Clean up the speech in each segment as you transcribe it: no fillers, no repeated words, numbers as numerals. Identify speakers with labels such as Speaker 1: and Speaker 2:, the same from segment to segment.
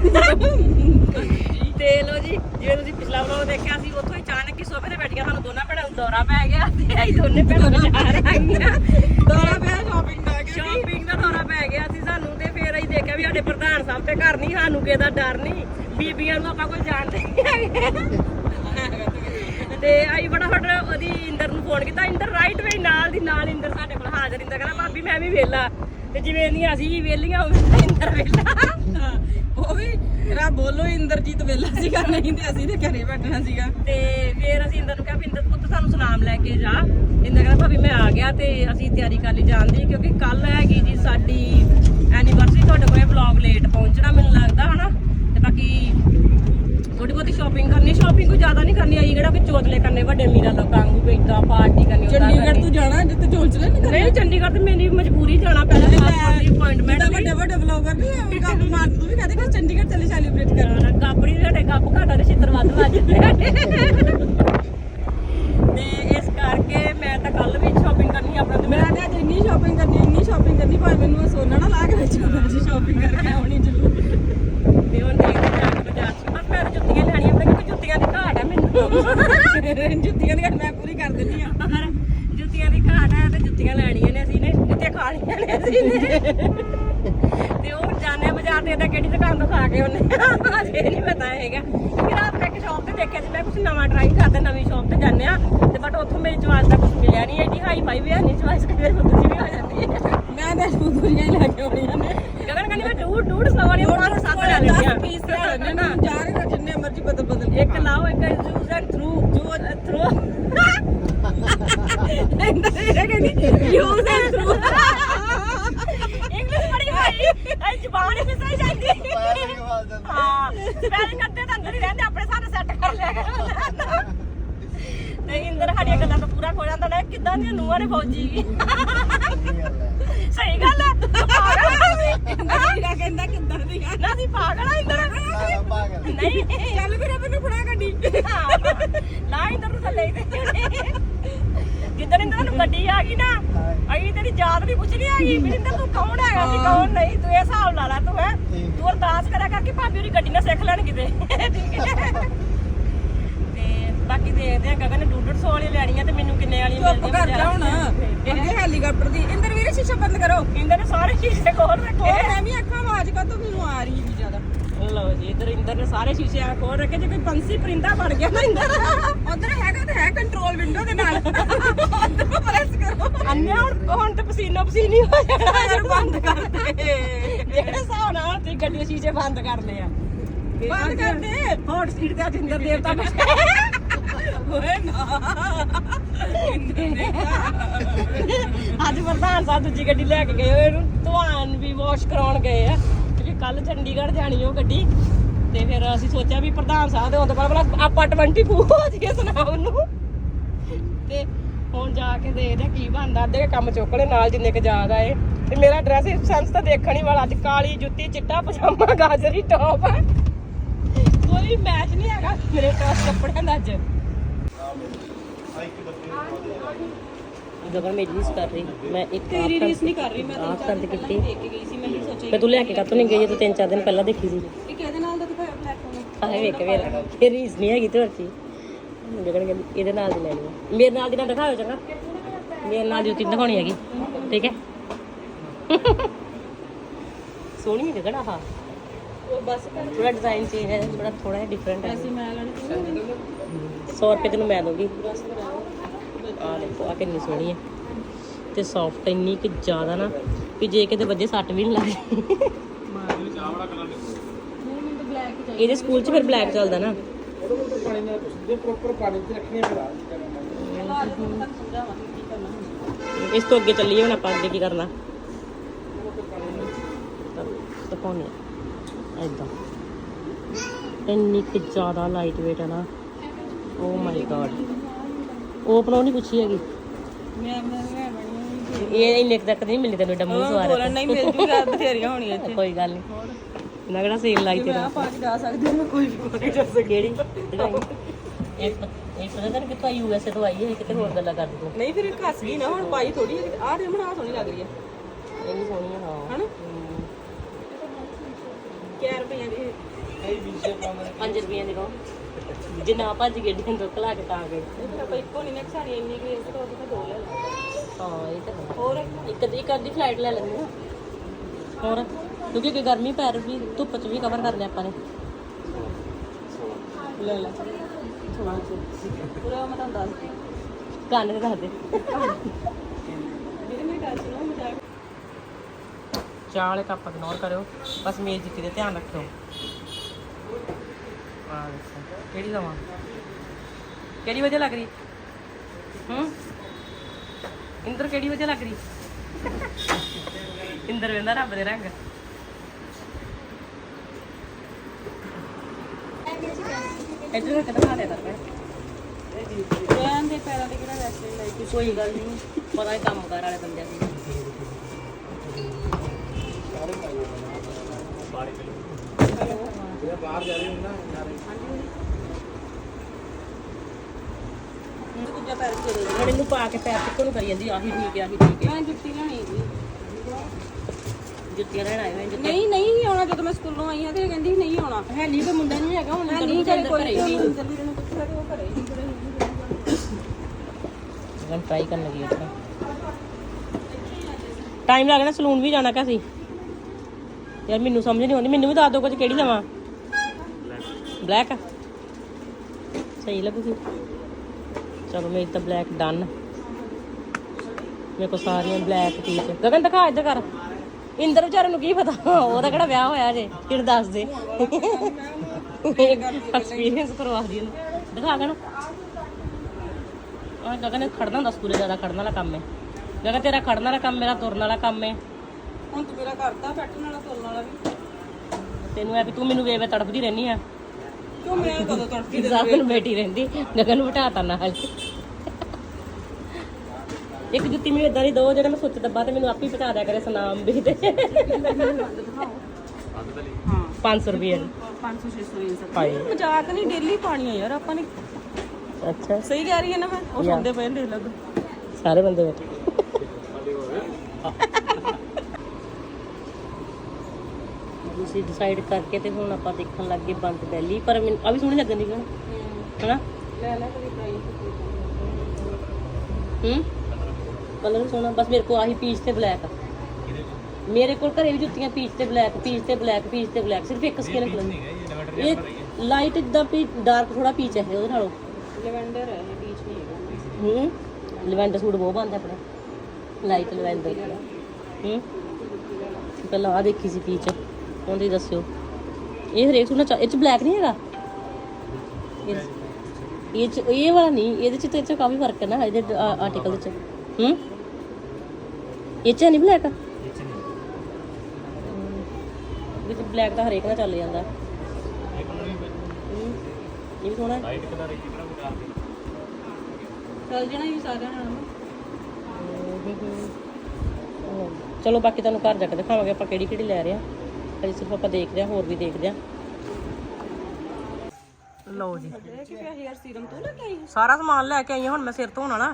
Speaker 1: ਤੇ ਲੋ ਜੀ ਜਿਵੇਂ ਤੁਸੀਂ ਪਿਛਲਾ ਵਲੋਗ ਦੇਖਿਆ ਸੀ ਉੱਥੋਂ ਹੀ ਅਚਾਨਕ ਹੀ ਸੋਫੇ ਤੇ ਬੈਠੀਆਂ ਸਾਨੂੰ ਦੋਨਾਂ ਭੈਣਾਂ ਨੂੰ ਦੌਰਾ ਪੈ ਗਿਆ ਤੇ ਅਸੀਂ ਦੋਨੇ ਭੈਣਾਂ ਬਾਜ਼ਾਰ ਆ ਗਈਆਂ
Speaker 2: ਦੌਰਾ ਪਿਆ
Speaker 1: ਸ਼ਾਪਿੰਗ ਦਾ ਦੌਰਾ ਪੈ ਗਿਆ ਸੀ ਸਾਨੂੰ ਤੇ ਫਿਰ ਅਸੀਂ ਦੇਖਿਆ ਵੀ ਸਾਡੇ ਪ੍ਰਧਾਨ ਸਾਹਿਬ ਤੇ ਘਰ ਨਹੀਂ ਸਾਨੂੰ ਕਿਸੇ ਦਾ ਡਰ ਨਹੀਂ ਬੀਬੀਆਂ ਨੂੰ ਆਪਾਂ ਕੋਈ ਜਾਣਦੇ ਨਹੀਂ ਹੈਗੇ ਤੇ ਅਸੀਂ ਫਟਾਫਟ ਉਹਦੀ ਇੰਦਰ ਨੂੰ ਫੋਨ ਕੀਤਾ ਇੰਦਰ ਰਾਈਟ ਵੇ ਨਾਲ ਦੀ ਨਾਲ ਇੰਦਰ ਸਾਡੇ ਕੋਲ ਹਾਜ਼ਰ ਇੰਦਰ ਕਹਿੰਦਾ ਭਾਬੀ ਮੈਂ ਵੀ ਵਿਹਲਾ ਤੇ ਜਿਵੇਂ ਇੰਦੀਆਂ ਅਸੀਂ ਵੀ ਵਿਹਲੀਆਂ ਉਵੇਂ ਇੰਦਰ ਵਿਹਲਾ
Speaker 2: ਉਹ ਵੀ ਰੱਬ ਬੋਲੋ ਇੰਦਰਜੀਤ ਵੇਲਾ ਸੀਗਾ ਨਹੀਂ ਤੇ ਅਸੀਂ ਤੇ ਘਰੇ ਬੈਠਣਾ ਸੀਗਾ
Speaker 1: ਤੇ ਫਿਰ ਅਸੀਂ ਇੰਦਰ ਨੂੰ ਕਿਹਾ ਵੀ ਇੰਦਰ ਪੁੱਤ ਸਾਨੂੰ ਸੁਨਾਮ ਲੈ ਕੇ ਜਾ ਇੰਦਰ ਕਹਿੰਦਾ ਭਾਬੀ ਮੈਂ ਆ ਗਿਆ ਤੇ ਅਸੀਂ ਤਿਆਰੀ ਕਰ ਲਈ ਜਾਣ ਦੀ ਕਿਉਂਕਿ ਕੱਲ ਹੈਗੀ ਜੀ ਸਾਡੀ ਐਨੀਵਰਸਰੀ ਤੁਹਾਡੇ ਕੋਲ ਵਲੌਗ ਲੇਟ ਪਹੁੰਚਣਾ ਮੈਨੂੰ ਲੱਗਦਾ ਹਨਾ ਤੇ ਬਾਕੀ ਥੋੜੀ ਬਹੁਤੀ ਸ਼ਾਪਿੰਗ ਕਰਨੀ ਸ਼ਾਪਿੰਗ ਕੋਈ ਜ਼ਿਆਦਾ ਨਹੀਂ ਕਰਨੀ ਆਈ ਜਿਹੜਾ ਕਿ ਚੋਚਲੇ ਕਰਨੇ ਵੱਡੇ ਮੀਰਾ ਲੋਕਾਂ ਨੂੰ ਕੋਈ ਇਦਾਂ ਪਾਰਟੀ ਕਰਨੀ
Speaker 2: ਚੰਡੀਗੜ੍ਹ ਤੂੰ ਜਾਣਾ ਜਿੱਥੇ ਚੋਚਲੇ
Speaker 1: ਨਹੀਂ ਚੰਡੀਗੜ੍ਹ ਤੇ ਮੇਰੀ ਮਜਬੂਰੀ ਜਾਣਾ ਪੈਣਾ ਪਾਸਪੋਰਟ ਦੀ ਅਪਾਇੰਟਮੈਂਟ
Speaker 2: ਵੱਡੇ ਵਲੌਗਰ ਨਹੀਂ ਗੱਪ ਮਾਰ ਤੂੰ ਵੀ ਕਹਦੇ ਕਿ ਚੰਡੀਗੜ੍ਹ ਚੱਲੇ ਸੈਲੀਬ੍ਰੇਟ ਕਰਨਾ
Speaker 1: ਗੱਪੜੀ ਦੇ ਸਾਡੇ ਗੱਪ ਘਾਟਾ ਦੇ ਛਿੱਤਰ ਵੱਧ ਵੱਜਦੇ ਤੇ ਇਸ ਕਰਕੇ ਮੈਂ ਤਾਂ ਕੱਲ ਵੀ ਸ਼ਾਪਿੰਗ ਕਰਨੀ ਆਪਣਾ ਤੇ
Speaker 2: ਮੈਂ ਤਾਂ ਅੱਜ ਇੰਨੀ ਸ਼ਾਪਿੰਗ ਕਰਨੀ ਭਾਵੇਂ ਮੈਨੂੰ ਸੋਨਾ ਨਾ ਲਾ ਕੇ ਵਿੱਚ ਸ਼ਾਪਿੰਗ ਕਰਕੇ ਆਉਣੀ ਜ਼ਰੂਰ
Speaker 1: ਤੇ ਹੁਣ ਦੇਖਦੇ ਜਾ ਕੇ ਬਾਜ਼ਾਰ ਚ ਬਸ ਮੈਂ ਜੁੱਤੀਆਂ ਲੈਣੀਆਂ ਆਪਣੇ ਕਿਉਂਕਿ ਜੁੱਤੀਆਂ ਦੀ ਘਾਟ ਹੈ ਮੈਨੂੰ
Speaker 2: ਜੁੱਤੀਆਂ ਦੀ ਗੱਲ ਮੈਂ ਪੂਰੀ ਕਰ ਦਿੰਦੀ ਆ
Speaker 1: ਜੁੱਤੀਆਂ ਦੀ ਘਾਟ ਹੈ ਤੇ ਜੁੱਤੀਆਂ ਲੈਣੀਆਂ ਨੇ ਅਸੀਂ ਨੇ ਜੁੱਤੀਆਂ ਖਾਣੀਆਂ ਨੇ ਅਸੀਂ ਨੇ ਤੇ ਉਹ ਜਾਣੇ ਬਾਜ਼ਾਰ ਤੇ ਇਹਦਾ ਕਿਹੜੀ ਦੁਕਾਨ ਤੋਂ ਖਾ ਕੇ ਉਹਨੇ ਅਜੇ ਨਹੀਂ ਪਤਾ ਹੈਗਾ ਕਿ ਰਾਤ ਮੈਂ ਇੱਕ ਸ਼ਾਪ ਤੇ ਦੇਖਿਆ ਸੀ ਮੈਂ ਕੁਝ ਨਵਾਂ ਟਰਾਈ ਕਰਦੇ ਨਵੀਂ ਸ਼ਾਪ ਤੇ ਜਾਂਦੇ ਆ ਤੇ ਬਟ ਉੱਥੋਂ ਮੇਰੀ ਚੁਆਇਸ ਦਾ ਕੁਝ ਮਿਲਿਆ ਨਹੀਂ ਐਡੀ ਹਾਈ ਫਾਈ ਵੀ ਨਹੀਂ ਚੁਆਇਸ ਕਦੇ ਤੁਸੀਂ ਵੀ ਹੋ ਜਾਂਦੀ ਹੈ
Speaker 2: ਮੈਂ ਤਾਂ ਦੂਰੀਆਂ ਹੀ ਲੈ ਕੇ ਆਉਣੀਆਂ ਨੇ
Speaker 1: ਗਗਨ ਕਹਿੰਦੀ ਮੈਂ ਡੂਡ ਸਵਾਰੀਆਂ ਪੰਜ ਸੱਤ ਲੈ ਲੈਂਦੀਆਂ
Speaker 2: ਪੀਸ ਲੈ ਲੈਣੇ ਨਾ ਜਾ ਕੇ ਜਿੰਨੇ ਮਰਜ਼ੀ ਬਦਲ
Speaker 1: ਇੱਕ ਲਾਓ ਇੱਕ ਯੂਜ਼ ਐਂਡ ਥਰੂ ਇਹ ਕਹਿੰਦੀ ਯੂਜ਼ ਐਂਡ ਥਰੂ ਇੰਗਲਿਸ਼ ਬੜੀ ਭਾਈ ਐ ਜ਼ਬਾਨ ਹੀ ਫਿਸਲ ਜਾਂਦੀ ਹਾਂ ਸਪੈਲਿੰਗ ਅੱਧੇ ਤਾਂ ਅੰਦਰ ਹੀ ਰਹਿੰਦੇ ਆਪਣੇ ਸਾਨੂੰ ਸੈੱਟ ਕਰ ਲਿਆ ਕਰੋ ਤੇ ਇੰਦਰ ਸਾਡੀਆਂ ਗੱਲਾਂ ਤੋਂ ਪੂਰਾ ਖੋ ਜਾਂਦਾ ਨਾ ਕਿੱਦਾਂ ਦੀਆਂ ਨੂੰਹਾਂ ਨੇ ਫੌਜੀ ਸਹੀ ਗੱਲ ਹੈ
Speaker 2: ਕਹਿੰਦਾ ਕਿੱਦਾਂ ਦੀ ਆ
Speaker 1: ਨਾ ਸੀ ਪਾਗਲ ਆ ਇੰਦਰ ਨਹੀਂ
Speaker 2: ਚੱਲ ਫਿਰ ਮੈਨੂੰ ਫੜਾ ਗੱਡੀ
Speaker 1: ਨਾ ਇੰਦਰ ਨੂੰ ਥੱਲੇ ਹੀ ਦੇ ਜਿੱਦਣ ਇੰਦਰ ਨੂੰ ਗੱਡੀ ਆ ਗਈ ਨਾ ਅਈ ਤੇਰੀ ਯਾਦ ਨਹੀਂ ਪੁੱਛਣੀ ਹੈਗੀ ਵੀ ਇੰਦਰ ਤੂੰ ਕੌਣ ਹੈਗਾ ਸੀ ਕੌਣ ਨਹੀਂ ਤੂੰ ਇਹ ਹਿਸਾਬ ਲਾ ਲੈ ਤੂੰ ਹੈ ਤੂੰ ਅਰਦਾਸ ਕਰਿਆ ਕਰ ਕਿ ਭਾਬੀ ਉਹਦੀ ਗੱਡੀ ਨਾ ਸਿੱਖ ਲੈਣ ਕਿਤੇ ਠੀਕ ਹੈ ਤੇ ਬਾਕੀ ਦੇਖਦੇ ਆ ਗਗਨ ਨੇ 150 ਵਾਲੀ ਲੈਣੀਆਂ ਤੇ ਮੈਨੂੰ ਕਿੰਨੇ ਵਾਲੀ
Speaker 2: ਚੁੱਪ ਕਰ ਜਾ ਹੁਣ ਅੱਗੇ ਹੈਲੀਕਾਪਟਰ ਦੀ ਇੰਦਰ ਵੀਰੇ ਸ਼ੀਸ਼ਾ ਬੰਦ ਕਰੋ
Speaker 1: ਇੰਦਰ ਨੇ ਸਾਰੇ ਸ਼ੀਸ਼ੇ ਖੋਲ ਰੱਖੇ
Speaker 2: ਮੈਂ ਵੀ ਅੱਖਾਂ ਆਵਾਜ਼ ਕਾ ਮੈਨੂੰ ਆ ਰਹੀ ਹੈ ਜ਼ਿਆਦਾ
Speaker 1: ਲਓ ਜੀ ਇੰਦਰ ਨੇ ਸਾਰੇ ਸ਼ੀਸ਼ੇ ਆ ਖੋਲ ਰੱਖੇ ਜੇ ਕੋਈ ਪੰਛੀ ਪਰਿੰਦਾ ਬਣ ਗਿਆ ਨਾ ਇੰਦਰ
Speaker 2: ਉਧਰ ਹੈਗਾ ਤੇ ਹੈ ਕੰਟਰੋਲ ਵਿੰਡੋ ਦੇ ਨਾਲ ਉਧਰ ਪ੍ਰੈਸ ਕਰੋ
Speaker 1: ਅੰਨੇ ਹੁਣ ਤੇ ਪਸੀਨੋ ਪਸੀਨੀ ਹੋ ਜਾਣਾ ਯਾਰ ਬੰਦ ਕਰ ਦੇ ਜਿਹੜੇ ਹਿਸਾਬ ਨਾਲ ਤੁਸੀਂ ਗੱਡੀ ਦੇ ਸ਼ੀਸ਼ੇ ਬੰਦ ਕਰਦੇ ਆ
Speaker 2: ਬੰਦ ਕਰ ਦੇ
Speaker 1: ਹੌਟ ਸੀਟ ਤੇ ਇੰਦਰ ਦੇਵਤਾ
Speaker 2: ਓਏ ਨਾ
Speaker 1: ਅੱਜ ਪ੍ਰਧਾਨ ਸਾਹਿਬ ਦੂਜੀ ਗੱਡੀ ਲੈ ਕੇ ਗਏ ਇਹਨੂੰ ਧਵਾਨ ਵੀ ਵਾਸ਼ ਕਰਾਉਣ ਗਏ ਆ ਕਿਉਂਕਿ ਕੱਲ ਚੰਡੀਗੜ੍ਹ ਜਾਣੀ ਉਹ ਗੱਡੀ ਤੇ ਫਿਰ ਅਸੀਂ ਸੋਚਿਆ ਵੀ ਪ੍ਰਧਾਨ ਸਾਹਿਬ ਦੇ ਆਉਣ ਤੋਂ ਬਾਅਦ ਆਪਾਂ 22 ਹੋ ਜਾਈਏ ਸੁਣਾਓ ਉਹਨੂੰ ਤੇ ਹੁਣ ਜਾ ਕੇ ਦੇਖਦੇ ਕੀ ਬਣਦਾ ਅੱਧੇ ਕੰਮ ਚੁੱਕ ਲੈ ਨਾਲ ਜਿੰਨੇ ਕੁ ਯਾਦ ਆਏ ਤੇ ਮੇਰਾ ਡਰੈਸ ਸੈਂਸ ਤਾਂ ਦੇਖਣ ਹੀ ਵਾਲਾ ਅੱਜ ਕਾਲੀ ਜੁੱਤੀ ਚਿੱਟਾ ਪਜਾਮਾ ਗਾਜਰੀ ਟੌਪ ਆ ਕੋਈ ਮੈਚ ਨਹੀਂ ਹੈਗਾ ਮੇਰੇ ਟੌਪ ਕੱਪੜਿਆਂ ਦਾ ਅੱਜ ਗਗਨ ਮੇਰੀ ਰੀਸ ਕਰ ਰਹੀ ਮੈਂ ਇੱਕ
Speaker 2: ਤੇਰੀ ਰੀਸ ਨਹੀਂ ਕਰ ਰਹੀ ਮੈਂ
Speaker 1: ਆਪ ਕਰ ਕੀਤੀ
Speaker 2: ਦੇਖ ਕੇ ਗਈ ਸੀ ਮੈਂ ਇਹ ਸੋਚਿਆ
Speaker 1: ਤੇ ਤੂੰ ਲੈ ਕੇ ਕਾਤੋਂ ਨਹੀਂ ਗਈ ਤੂੰ 3-4 ਦਿਨ ਪਹਿਲਾਂ ਦੇਖੀ ਸੀ
Speaker 2: ਕਿ ਕਿਹਦੇ ਨਾਲ ਦਾ ਦਿਖਾਇਆ ਪਲੇਟਫਾਰਮ
Speaker 1: ਆਹ ਵੇਖ ਵੇਖ ਇਹ ਰੀਸ ਨਹੀਂ ਹੈਗੀ ਤੁਹਾਡੀ ਗਗਨ ਕਹਿੰਦੀ ਇਹਦੇ ਨਾਲ ਦੀ ਲੈਣੀ ਹੈ ਮੇਰੇ ਨਾਲ ਦੀ ਨਾ ਦਿਖਾਓ ਚੰਗਾ ਮੇਰੇ ਨਾਲ ਜੁੱਤੀ ਦਿਖਾਉਣੀ ਹੈਗੀ ਠੀਕ ਹੈ ਸੋਹਣੀ ਹੈ ਗਗਨ ਆਹ
Speaker 2: ਉਹ ਬਸ ਕਰ
Speaker 1: ਥੋੜਾ ਡਿਜ਼ਾਈਨ ਚੇਂਜ ਹੈ ਬੜਾ ਥੋੜਾ ਜਿਹਾ ਡਿਫਰੈਂਟ ਹੈ
Speaker 2: ਐਸੀ ਮੈਂ ਲੈਣੀ
Speaker 1: 100 ਰੁਪਏ ਤੈਨੂੰ ਮੈਂ ਦਊਂਗੀ ਆ ਦੇਖੋ ਆ ਕਿੰਨੀ ਸੋਹਣੀ ਹੈ ਤੇ ਸੌਫਟ ਇੰਨੀ ਕਿ ਜ਼ਿਆਦਾ ਨਾ ਕਿ ਜੇ ਕਿਤੇ ਵੱਜੇ ਸੱਟ ਵੀ ਨਹੀਂ ਲੱਗਦੀ ਇਹਦੇ ਸਕੂਲ 'ਚ ਫਿਰ ਬਲੈਕ ਚੱਲਦਾ ਨਾ ਇਸ ਤੋਂ ਅੱਗੇ ਚੱਲੀਏ ਹੁਣ ਆਪਾਂ ਅੱਗੇ ਕੀ ਕਰਨਾ ਦਿਖਾਉਣੀ ਏਦਾਂ ਇੰਨੀ ਕਿ ਜ਼ਿਆਦਾ ਲਾਈਟ ਵੇਟ ਹੈ ਨਾ ਓ ਮਾਈ ਗॉड ਉਹ ਪਰੋ ਨਹੀਂ ਪੁੱਛੀ ਹੈਗੀ
Speaker 2: ਮੈਂ
Speaker 1: ਇਹ ਇੰਨੇ ਤੱਕ ਨਹੀਂ ਮਿਲਣੀ ਤੈਨੂੰ ਡੰਮੂ ਸਵਾਰ
Speaker 2: ਬੋਲਣ ਨਹੀਂ ਮਿਲ ਜੂਗਾ ਬਥੇਰੀਆਂ ਹੋਣੀਆਂ ਇੱਥੇ
Speaker 1: ਕੋਈ ਗੱਲ ਨਹੀਂ ਇਹਨਾਂ ਕਿਹੜਾ ਸੇਲ ਲਾਈ ਤੇਰਾ
Speaker 2: ਮੈਂ ਪਾ ਕੇ ਜਾ ਸਕਦੀ ਹਾਂ ਕੋਈ ਵੀ
Speaker 1: ਕਿਹੜੀ ਇਹ ਪਤਾ ਤੈਨੂੰ ਕਿੱਥੋਂ USA ਤੋਂ ਆਈ ਹੈ ਕਿਤੇ ਹੋਰ ਗੱਲਾਂ ਕਰਦੀ ਤੂੰ
Speaker 2: ਨਹੀਂ ਫਿਰ ਘਸ ਗਈ ਨਾ ਹੁਣ ਪਾਈ ਥੋੜੀ ਆਹ ਦੇ ਬਣਾ ਸੋਹਣੀ ਲੱਗ ਰਹੀ ਹੈ
Speaker 1: ਇੰਨੀ ਸੋਹਣੀ ਆ ਹਾਂ
Speaker 2: ਹਨਾ ਕਿਆ ਰੁਪਈਆ ਦੀ
Speaker 1: 5 ਰੁਪਈਆਂ ਦੀ ਕਹੋ ਜਿੰਨਾ ਭੱਜ ਗਏ ਡੀ ਦੁੱਖ ਲਾ ਕੇ ਤਾਂ ਗਏ
Speaker 2: ਆਪਾਂ ਇੱਕੋ ਨਹੀਂ ਨਾ ਸਾਡੀ ਇੰਨੀ ਗ੍ਰੇਸ ਤੋਂ ਉਹਦੇ ਦੋ ਲੈ ਲਾ
Speaker 1: ਹਾਂ ਇਹ ਤਾਂ ਹੈ।
Speaker 2: ਹੋਰ
Speaker 1: ਇੱਕ ਅੱਧੀ ਫਲਾਈਟ ਲੈ ਲੈਂਦੇ ਹਾਂ ਹੋਰ ਕਿਉਂਕਿ ਕਿ ਗਰਮੀ ਪੈ ਰਹੀ ਧੁੱਪ 'ਚ ਵੀ ਕਵਰ ਕਰਨੇ ਆਪਾਂ ਨੇ
Speaker 2: ਲੈ ਲੈ ਪੂਰਾ ਮੈਂ ਤੁਹਾਨੂੰ ਦੱਸ ਦੇ
Speaker 1: ਕੰਨ ਤੇ ਦੱਸ ਦੇ
Speaker 2: ਮੇਰੇ ਗੱਲ ਸੁਣੋ ਮਜ਼ਾਕ
Speaker 1: ਚਾਹ ਵਾਲੇ ਕੱਪ ਇਗਨੋਰ ਕਰਿਓ ਬਸ ਮੇਜ਼ ਜੁੱਤੀ ਦਾ ਧਿਆਨ ਰੱਖਿਓ ਆ ਦੇਖੋ ਕਿਹੜੀ ਲਵਾਂ ਕਿਹੜੀ ਵਧੀਆ ਲੱਗ ਰਹੀ ਇੰਦਰ ਕਿਹੜੀ ਵਧੀਆ ਲੱਗ ਰਹੀ ਇੰਦਰ ਵੇਂਦਾ ਰੱਬ ਦੇ ਰੰਗ ਇੱਧਰ ਕਿੱਦਾਂ ਖਾ ਲਿਆ ਕਰ
Speaker 2: ਰਹਿਣ ਦੇ ਪੈਰਾਂ ਤੇ ਕਿਹੜਾ ਰੈਸਟੋਰੈਂਟ ਲੈ ਕੇ
Speaker 1: ਕੋਈ ਗੱਲ ਨਹੀਂ ਪਤਾ ਹੀ ਕੰਮ ਕਾਰ ਵਾਲੇ ਬੰਦੇ ਦੀ
Speaker 3: ਬਾਹਰ ਜਾ ਰਹੇ ਹੋ ਨਾ
Speaker 2: ਦੂਜਾ ਪੈਰ ਤੇ ਦੇ
Speaker 1: ਹੁਣ ਇਹਨੂੰ ਪਾ ਕੇ ਪੈਰ ਟਿੱਕਣ ਨੂੰ ਕਰੀ ਜਾਂਦੀ ਆਹੀ ਠੀਕ ਹੈ ਆਹੀ ਠੀਕ ਹੈ
Speaker 2: ਮੈਂ ਜੁੱਤੀ ਲੈਣੀ ਸੀ
Speaker 1: ਜੁੱਤੀਆਂ ਲੈਣ ਆਏ ਹੋਏ ਜੁੱਤੀ
Speaker 2: ਨਹੀਂ ਨਹੀਂ ਆਉਣਾ ਜਦੋਂ ਮੈਂ ਸਕੂਲੋਂ ਆਈ ਹਾਂ ਤੇ ਕਹਿੰਦੀ ਨਹੀਂ ਆਉਣਾ
Speaker 1: ਹੈ ਨਹੀਂ ਕੋਈ ਮੁੰਡਾ ਨਹੀਂ ਹੈਗਾ ਹੁਣ
Speaker 2: ਨਹੀਂ
Speaker 1: ਚੱਲ
Speaker 2: ਕੋਈ
Speaker 1: ਘਰੇ ਹੀ
Speaker 2: ਜਲਦੀ ਨੂੰ ਪੁੱਛਿਆ ਕਿ ਉਹ ਘਰੇ ਹੀ
Speaker 1: ਮੈਂ ਟਰਾਈ ਕਰਨ ਲੱਗੀ ਉੱਥੇ ਟਾਈਮ ਲੱਗਣਾ ਸਲੂਨ ਵੀ ਜਾਣਾ ਕਾ ਸੀ ਯਾਰ ਮੈਨੂੰ ਸਮਝ ਨਹੀਂ ਆਉਂਦੀ ਮੈਨੂੰ ਵੀ ਦੱਸ ਦਿਓ ਕੁਝ ਕਿਹੜੀ ਲਵਾਂ ਬਲੈਕ ਸਹੀ ਲੱਗੂਗੀ ਚਲੋ ਮੇਰੀ ਤਾਂ ਬਲੈਕ ਡਨ ਮੇਰੇ ਕੋਲ ਸਾਰੀਆਂ ਬਲੈਕ ਪੀਚ ਗਗਨ ਦਿਖਾ ਇੱਧਰ ਕਰ ਇੰਦਰ ਵਿਚਾਰੇ ਨੂੰ ਕੀ ਪਤਾ ਉਹਦਾ ਕਿਹੜਾ ਵਿਆਹ ਹੋਇਆ ਜੇ ਕਿਹੜਾ ਦੱਸ ਦੇ ਐਕਸਪੀਰੀਅੰਸ ਕਰਵਾ ਦੀ ਉਹਨੂੰ ਦਿਖਾ ਗਣ ਆ ਗਗਨ ਨੇ ਖੜਨਾ ਹੁੰਦਾ ਸਕੂਲੇ ਜ਼ਿਆਦਾ ਖੜਨ ਵਾਲਾ ਕੰਮ ਹੈ ਗਗਨ ਤੇਰਾ ਖੜਨ ਵਾਲਾ ਕੰਮ ਮੇਰਾ ਤੁਰਨ ਵਾਲਾ ਕੰਮ ਹੈ
Speaker 2: ਹੁਣ ਤੂੰ ਮੇਰਾ ਕਰਤਾ ਬੈਠਣ ਵਾਲਾ ਤੁਰਨ ਵਾਲਾ ਵੀ
Speaker 1: ਤੈਨੂੰ ਐ ਵੀ ਤੂੰ ਮੈਨੂੰ ਵੇਵੇ ਤੜਫਦੀ ਰਹਿਨੀ ਆ
Speaker 2: ਕਿਉਂ ਮੈਂ ਕਦੋਂ ਤੜਫੀ
Speaker 1: ਸਾਰਾ ਦਿਨ ਬੈਠੀ ਰਹਿੰਦੀ ਗਗਨ ਨੂੰ ਬਿਠਾਤਾ ਨਾਲ ਇੱਕ ਜੁੱਤੀ ਮੈਨੂੰ ਇਦਾਂ ਦੀ ਦੋ ਜਿਹੜੇ ਮੈਂ ਸੁੱਚ ਦੱਬਾ ਤੇ ਮੈਨੂੰ ਆਪੇ ਹੀ ਪਹੁੰਚਾ ਦਿਆ ਕਰੇ ਸਨਾਮ ਵੀ ਤੇ
Speaker 2: ਹਾਂ
Speaker 1: 500 ਰੁਪਏ
Speaker 2: 500 600 ਇੰਚ
Speaker 1: ਭਾਈ
Speaker 2: ਮਜ਼ਾਕ ਨਹੀਂ ਡੇਲੀ ਪਾਣੀ ਆ ਯਾਰ ਆਪਾਂ ਨੇ
Speaker 1: ਅੱਛਾ
Speaker 2: ਸਹੀ ਕਹਿ ਰਹੀ ਹੈ ਨਾ ਮੈਂ ਉਹ ਸੁਣਦੇ ਪਏ ਨੇ ਲੱਗ
Speaker 1: ਸਾਰੇ ਬੰਦੇ ਬੈਠੇ ਅਸੀਂ ਡਿਸਾਈਡ ਕਰਕੇ ਤੇ ਹੁਣ ਆਪਾਂ ਦੇਖਣ ਲੱਗ ਗਏ ਬੰਦ ਬੈਲੀ ਪਰ ਮੈਨੂੰ ਆ ਵੀ ਸੋਹਣੀ ਲੱਗਣ ਦੀ ਹਨਾ
Speaker 2: ਲੈ ਲੈ ਕਦੀ ਪ੍ਰਾਈਸ
Speaker 1: ਕਲਰ ਸੋਹਣਾ ਬਸ ਮੇਰੇ ਕੋਲ ਆਹੀ ਪੀਚ ਤੇ ਬਲੈਕ ਮੇਰੇ ਕੋਲ ਘਰੇ ਵੀ ਜੁੱਤੀਆਂ ਪੀਚ ਤੇ ਬਲੈਕ ਪੀਚ ਤੇ ਬਲੈਕ ਪੀਚ ਤੇ ਬਲੈਕ ਸਿਰਫ ਇੱਕ ਸਕਿਨ ਕਲਰ ਇਹ ਲਾਈਟ ਇਦਾਂ ਪੀ ਡਾਰਕ ਥੋੜਾ ਪੀਚ ਹੈ ਉਹਦੇ ਨਾਲੋਂ
Speaker 2: ਲਵੈਂਡਰ ਹੈ ਇਹ ਪੀਚ ਨਹੀਂ ਹੈਗਾ
Speaker 1: ਲਵੈਂਡਰ ਸੂਟ ਬਹੁਤ ਬਣਦਾ ਆਪਣੇ ਲਾਈਟ ਲਵੈਂਡਰ ਪਹਿਲਾਂ ਆ ਦੇਖੀ ਸੀ ਪੀਚ ਹੁਣ ਤੁਸੀਂ ਦੱਸਿਓ ਇਹ ਹਰੇਕ ਸੂਟ ਇਹ ਚ ਬਲੈਕ ਨਹੀਂ ਹੈਗਾ ਇਹ ਚ ਇਹ ਵਾਲਾ ਨਹੀਂ ਇਹਦੇ ਚ ਤੇ ਇਹ ਚ ਕਾਫੀ ਫਰਕ ਹੈ ਨਾ ਇਹਦੇ ਆਰਟੀਕਲ ਚ ਇਹ ਚ ਨਹੀਂ ਬਲੈਕ ਵਿੱਚ ਬਲੈਕ ਤਾਂ ਹਰੇਕ ਨਾਲ ਚੱਲ ਜਾਂਦਾ ਇਹ ਵੀ ਸੋਹਣਾ ਹੈ
Speaker 2: ਚੱਲ ਜਾਣਾ ਇਹ ਸਾਰਿਆਂ ਨਾਲ
Speaker 1: ਚਲੋ ਬਾਕੀ ਤੁਹਾਨੂੰ ਘਰ ਜਾ ਕੇ ਦਿਖਾਵਾਂਗੇ ਆਪਾਂ ਕਿਹੜੀ ਕਿਹੜੀ ਲੈ ਰਹੇ ਆ ਅਜੇ ਸਿਰਫ ਆਪਾਂ ਦੇਖਦੇ ਆ ਹੋਰ ਵੀ ਦੇਖਦੇ ਆ ਲਓ ਜੀ
Speaker 2: ਇਹ ਕਿ ਪਿਆ ਹੇਅਰ ਸੀਰਮ ਤੂੰ ਲੈ ਕੇ ਆਈ
Speaker 1: ਸਾਰਾ ਸਮਾਨ ਲੈ ਕੇ ਆਈ ਹਾਂ ਹੁਣ ਮੈਂ ਸਿਰ ਧੋਣ ਵਾਲਾ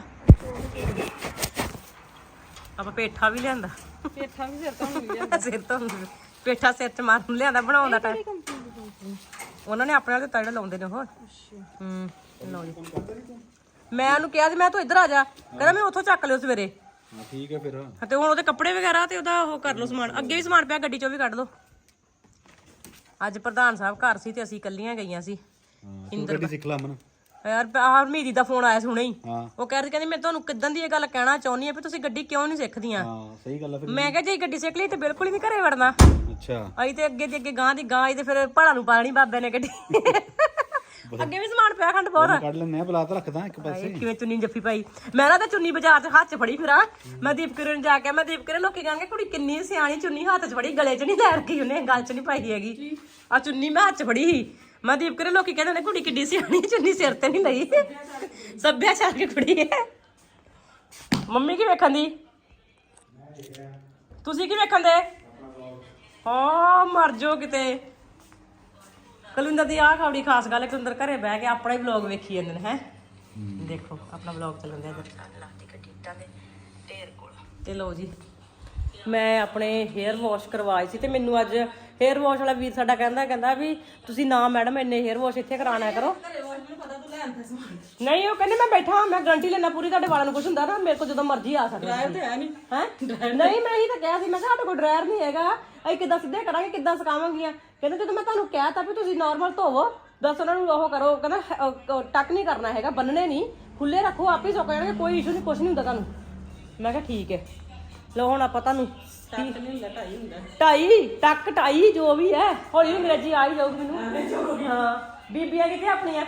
Speaker 1: ਆਪਾਂ ਪੇਠਾ ਵੀ ਲਿਆਂਦਾ
Speaker 2: ਪੇਠਾ ਵੀ ਸਿਰ ਤੋਂ ਮਿਲ ਜਾਂਦਾ
Speaker 1: ਸਿਰ ਧੋਣ ਪੇਠਾ ਸਿਰ ਚ ਮਾਰਨ ਨੂੰ ਲਿਆਂਦਾ ਬਣਾਉਣ ਦਾ ਟਾਈਮ ਉਹਨਾਂ ਨੇ ਆਪਣੇ ਨਾਲ ਦਿੱਤਾ ਜਿਹੜਾ ਲਾਉਂਦੇ ਨੇ ਉਹ ਲਓ ਜੀ ਮੈਂ ਉਹਨੂੰ ਕਿਹਾ ਸੀ ਮੈਂ ਤੂੰ ਇੱਧਰ ਆ ਜਾ ਕਹਿੰਦਾ ਮੈਂ ਉੱਥੋਂ ਚੱਕ ਲਿਓ ਸਵੇਰੇ
Speaker 3: ਹਾਂ ਠੀਕ ਹੈ ਫਿਰ
Speaker 1: ਤੇ ਹੁਣ ਉਹਦੇ ਕੱਪੜੇ ਵਗੈਰਾ ਤੇ ਉਹਦਾ ਉਹ ਕਰ ਲਓ ਸਮਾਨ ਅੱਗੇ ਵੀ ਸਮਾਨ ਪਿਆ ਗੱਡੀ ਚੋਂ ਵੀ ਕੱਢ ਲਓ ਅੱਜ ਪ੍ਰਧਾਨ ਸਾਹਿਬ ਘਰ ਸੀ ਤੇ ਅਸੀਂ ਇਕੱਲੀਆਂ ਗਈਆਂ ਸੀ
Speaker 3: ਹਾਂ ਤੂੰ ਗੱਡੀ ਸਿੱਖ ਲਾ ਮਨ
Speaker 1: ਯਾਰ ਹਰਮੀਤ ਦਾ ਫੋਨ ਆਇਆ ਸੀ ਹੁਣੇ ਹੀ
Speaker 3: ਹਾਂ
Speaker 1: ਉਹ ਕਹਿ ਰਹੀ ਕਹਿੰਦੀ ਮੈਂ ਤੁਹਾਨੂੰ ਕਿਦਾਂ ਦੀ ਇਹ ਗੱਲ ਕਹਿਣਾ ਚਾਹੁੰਦੀ ਆ ਵੀ ਤੁਸੀਂ ਗੱਡੀ ਕਿਉਂ ਨਹੀਂ ਸਿੱਖਦੀਆਂ
Speaker 3: ਹਾਂ ਸਹੀ ਗੱਲ ਹੈ ਫਿਰ
Speaker 1: ਮੈਂ ਕਿਹਾ ਜੇ ਗੱਡੀ ਸਿੱਖ ਲਈ ਤੇ ਬਿਲਕੁਲ ਹੀ ਨਹੀਂ ਘਰੇ ਵੜਨਾ
Speaker 3: ਅੱਛਾ
Speaker 1: ਅਸੀਂ ਤੇ ਅੱਗੇ ਦੀ ਅੱਗੇ ਗਾਂ ਦੀ ਗਾਂ ਤੇ ਫਿਰ ਪਹਾੜਾਂ ਨੂੰ ਪਾਣੀ ਬਾਬੇ ਨੇ ਗੱਡੀ ਅੱਗੇ ਵੀ ਸਮਾਨ ਪਿਆ ਖੰਡ ਬਹੁਤ
Speaker 3: ਕੱਢ ਲੈਣੇ ਆ ਬਲਾ ਤਾਂ ਰੱਖਦਾ ਇੱਕ ਪਾਸੇ
Speaker 1: ਕਿਵੇਂ ਚੁੰਨੀ ਜੱਫੀ ਪਾਈ ਮੈਂ ਨਾ ਤਾਂ ਚੁੰਨੀ ਬਾਜ਼ਾਰ 'ਚ ਹੱਥ 'ਚ ਫੜੀ ਫਿਰਾਂ ਮੈਂ ਦੀਪਕਰਨ ਨੂੰ ਜਾ ਕੇ ਮੈਂ ਦੀਪਕਰਨ ਲੋਕੀ ਕਹਿਣਗੇ ਕੁੜੀ ਕਿੰਨੀ ਸਿਆਣੀ ਚੁੰਨੀ ਹੱਥ 'ਚ ਫੜੀ ਗਲੇ 'ਚ ਨਹੀਂ ਲੈ ਰੱਖੀ ਉਹਨੇ ਗਲ 'ਚ ਨਹੀਂ ਪਾਈ ਹੈਗੀ ਆ ਚੁੰਨੀ ਮੈਂ ਹੱਥ 'ਚ ਫੜੀ ਸੀ ਮੈਂ ਦੀਪਕਰਨ ਲੋਕੀ ਕਹਿੰਦੇ ਨੇ ਕੁੜੀ ਕਿੱਡੀ ਸਿਆਣੀ ਚੁੰਨੀ ਸਿਰ ਤੇ ਨਹੀਂ ਲਈ ਸੱਭਿਆਚਾਰ ਦੀ ਕੁੜੀ ਹੈ ਮੰਮੀ ਕੀ ਵੇਖਣ ਦੀ ਤੁਸੀਂ ਕੀ ਵੇਖਣ ਦੇ ਹਾਂ ਮਰ ਜਾਓ ਕਿਤੇ ਕੁਲਵਿੰਦਰ ਦੀ ਆਹ ਖਬੜੀ ਖਾਸ ਗੱਲ ਹੈ ਕੁਲਵਿੰਦਰ ਘਰੇ ਬਹਿ ਕੇ ਆਪਣਾ ਹੀ ਵਲੌਗ ਵੇਖੀ ਜਾਂਦੇ ਨੇ ਹੈ ਦੇਖੋ ਆਪਣਾ ਵਲੌਗ ਚੱਲਣ ਦਿਆ ਇੱਧਰ ਤੇ ਲਓ ਜੀ ਮੈਂ ਆਪਣੇ ਹੇਅਰ ਵਾਸ਼ ਕਰਵਾਏ ਸੀ ਤੇ ਮੈਨੂੰ ਅੱਜ ਹੇਅਰ ਵਾਸ਼ ਵਾਲਾ ਵੀਰ ਸਾਡਾ ਕਹਿੰਦਾ ਵੀ ਤੁਸੀਂ ਨਾ ਮੈਡਮ ਇੰਨੇ ਹੇਅਰ ਵਾਸ਼ ਇੱਥੇ ਕਰਾਣਾ ਕਰੋ। ਨਹੀਂ ਉਹ ਕਹਿੰਦੇ ਮੈਂ ਬੈਠਾ ਮੈਂ ਗਾਰੰਟੀ ਲੈਣਾ ਪੂਰੀ, ਤੁਹਾਡੇ ਵਾਲਾਂ ਨੂੰ ਕੁਝ ਹੁੰਦਾ ਨਾ ਮੇਰੇ ਕੋਲ ਜਦੋਂ ਮਰਜ਼ੀ ਆ ਸਕਦਾ
Speaker 2: ਡਰਾਈਵ ਤੇ ਹੈ ਨਹੀਂ
Speaker 1: ਹੈ। ਨਹੀਂ ਮੈਂ ਇਹੀ ਤਾਂ ਕਿਹਾ ਸੀ, ਮੈਂ ਕਿਹਾ ਸਾਡੇ ਕੋਲ ਡਰਾਇਰ ਨਹੀਂ ਹੈਗਾ, ਅਸੀਂ ਕਿੱਦਾਂ ਸਿੱਧੇ ਕਰਾਂਗੇ, ਕਿੱਦਾਂ ਸੁਕਾਵਾਂਗੀਆਂ। ਕਹਿੰਦੇ ਜਦੋਂ ਮੈਂ ਤੁਹਾਨੂੰ ਕਹਿ ਤਾ ਵੀ ਤੁਸੀਂ ਨਾਰਮਲ ਧੋਵੋ, ਬਸ ਉਹਨਾਂ ਨੂੰ ਉਹ ਕਰੋ, ਕਹਿੰਦਾ ਟੱਕ ਨਹੀਂ ਕਰਨਾ ਹੈਗਾ, ਬੰਨਣੇ ਨਹੀਂ, ਖੁੱਲੇ ਰੱਖੋ, ਆਪੇ ਸੁੱਕ ਜਾਣਗੇ, ਕੋਈ ਇਸ਼ੂ ਨਹੀਂ, ਕੁਝ ਨਹੀਂ ਹੁੰਦਾ ਤੁਹਾਨੂੰ। ਮੈਂ ਕਿਹਾ ਠੀਕ ਹੈ। ਲਓ ਹੁਣ ਆਪਾਂ ਤੁਹਾਨੂੰ
Speaker 2: ਟੱਕ ਨਹੀਂ ਹੁੰਦਾ, ਢਾਈ ਹੁੰਦਾ,
Speaker 1: ਢਾਈ ਜੋ ਵੀ ਹੈ, ਹੌਲੀ ਹੌਲੀ ਅੰਗਰੇਜ਼ੀ ਆ ਹੀ ਜਾਊਗੀ ਮੈਨੂੰ। ਹਾਂ ਬੀਬੀਆਂ ਕਿੱਥੇ ਆਪਣੀਆਂ?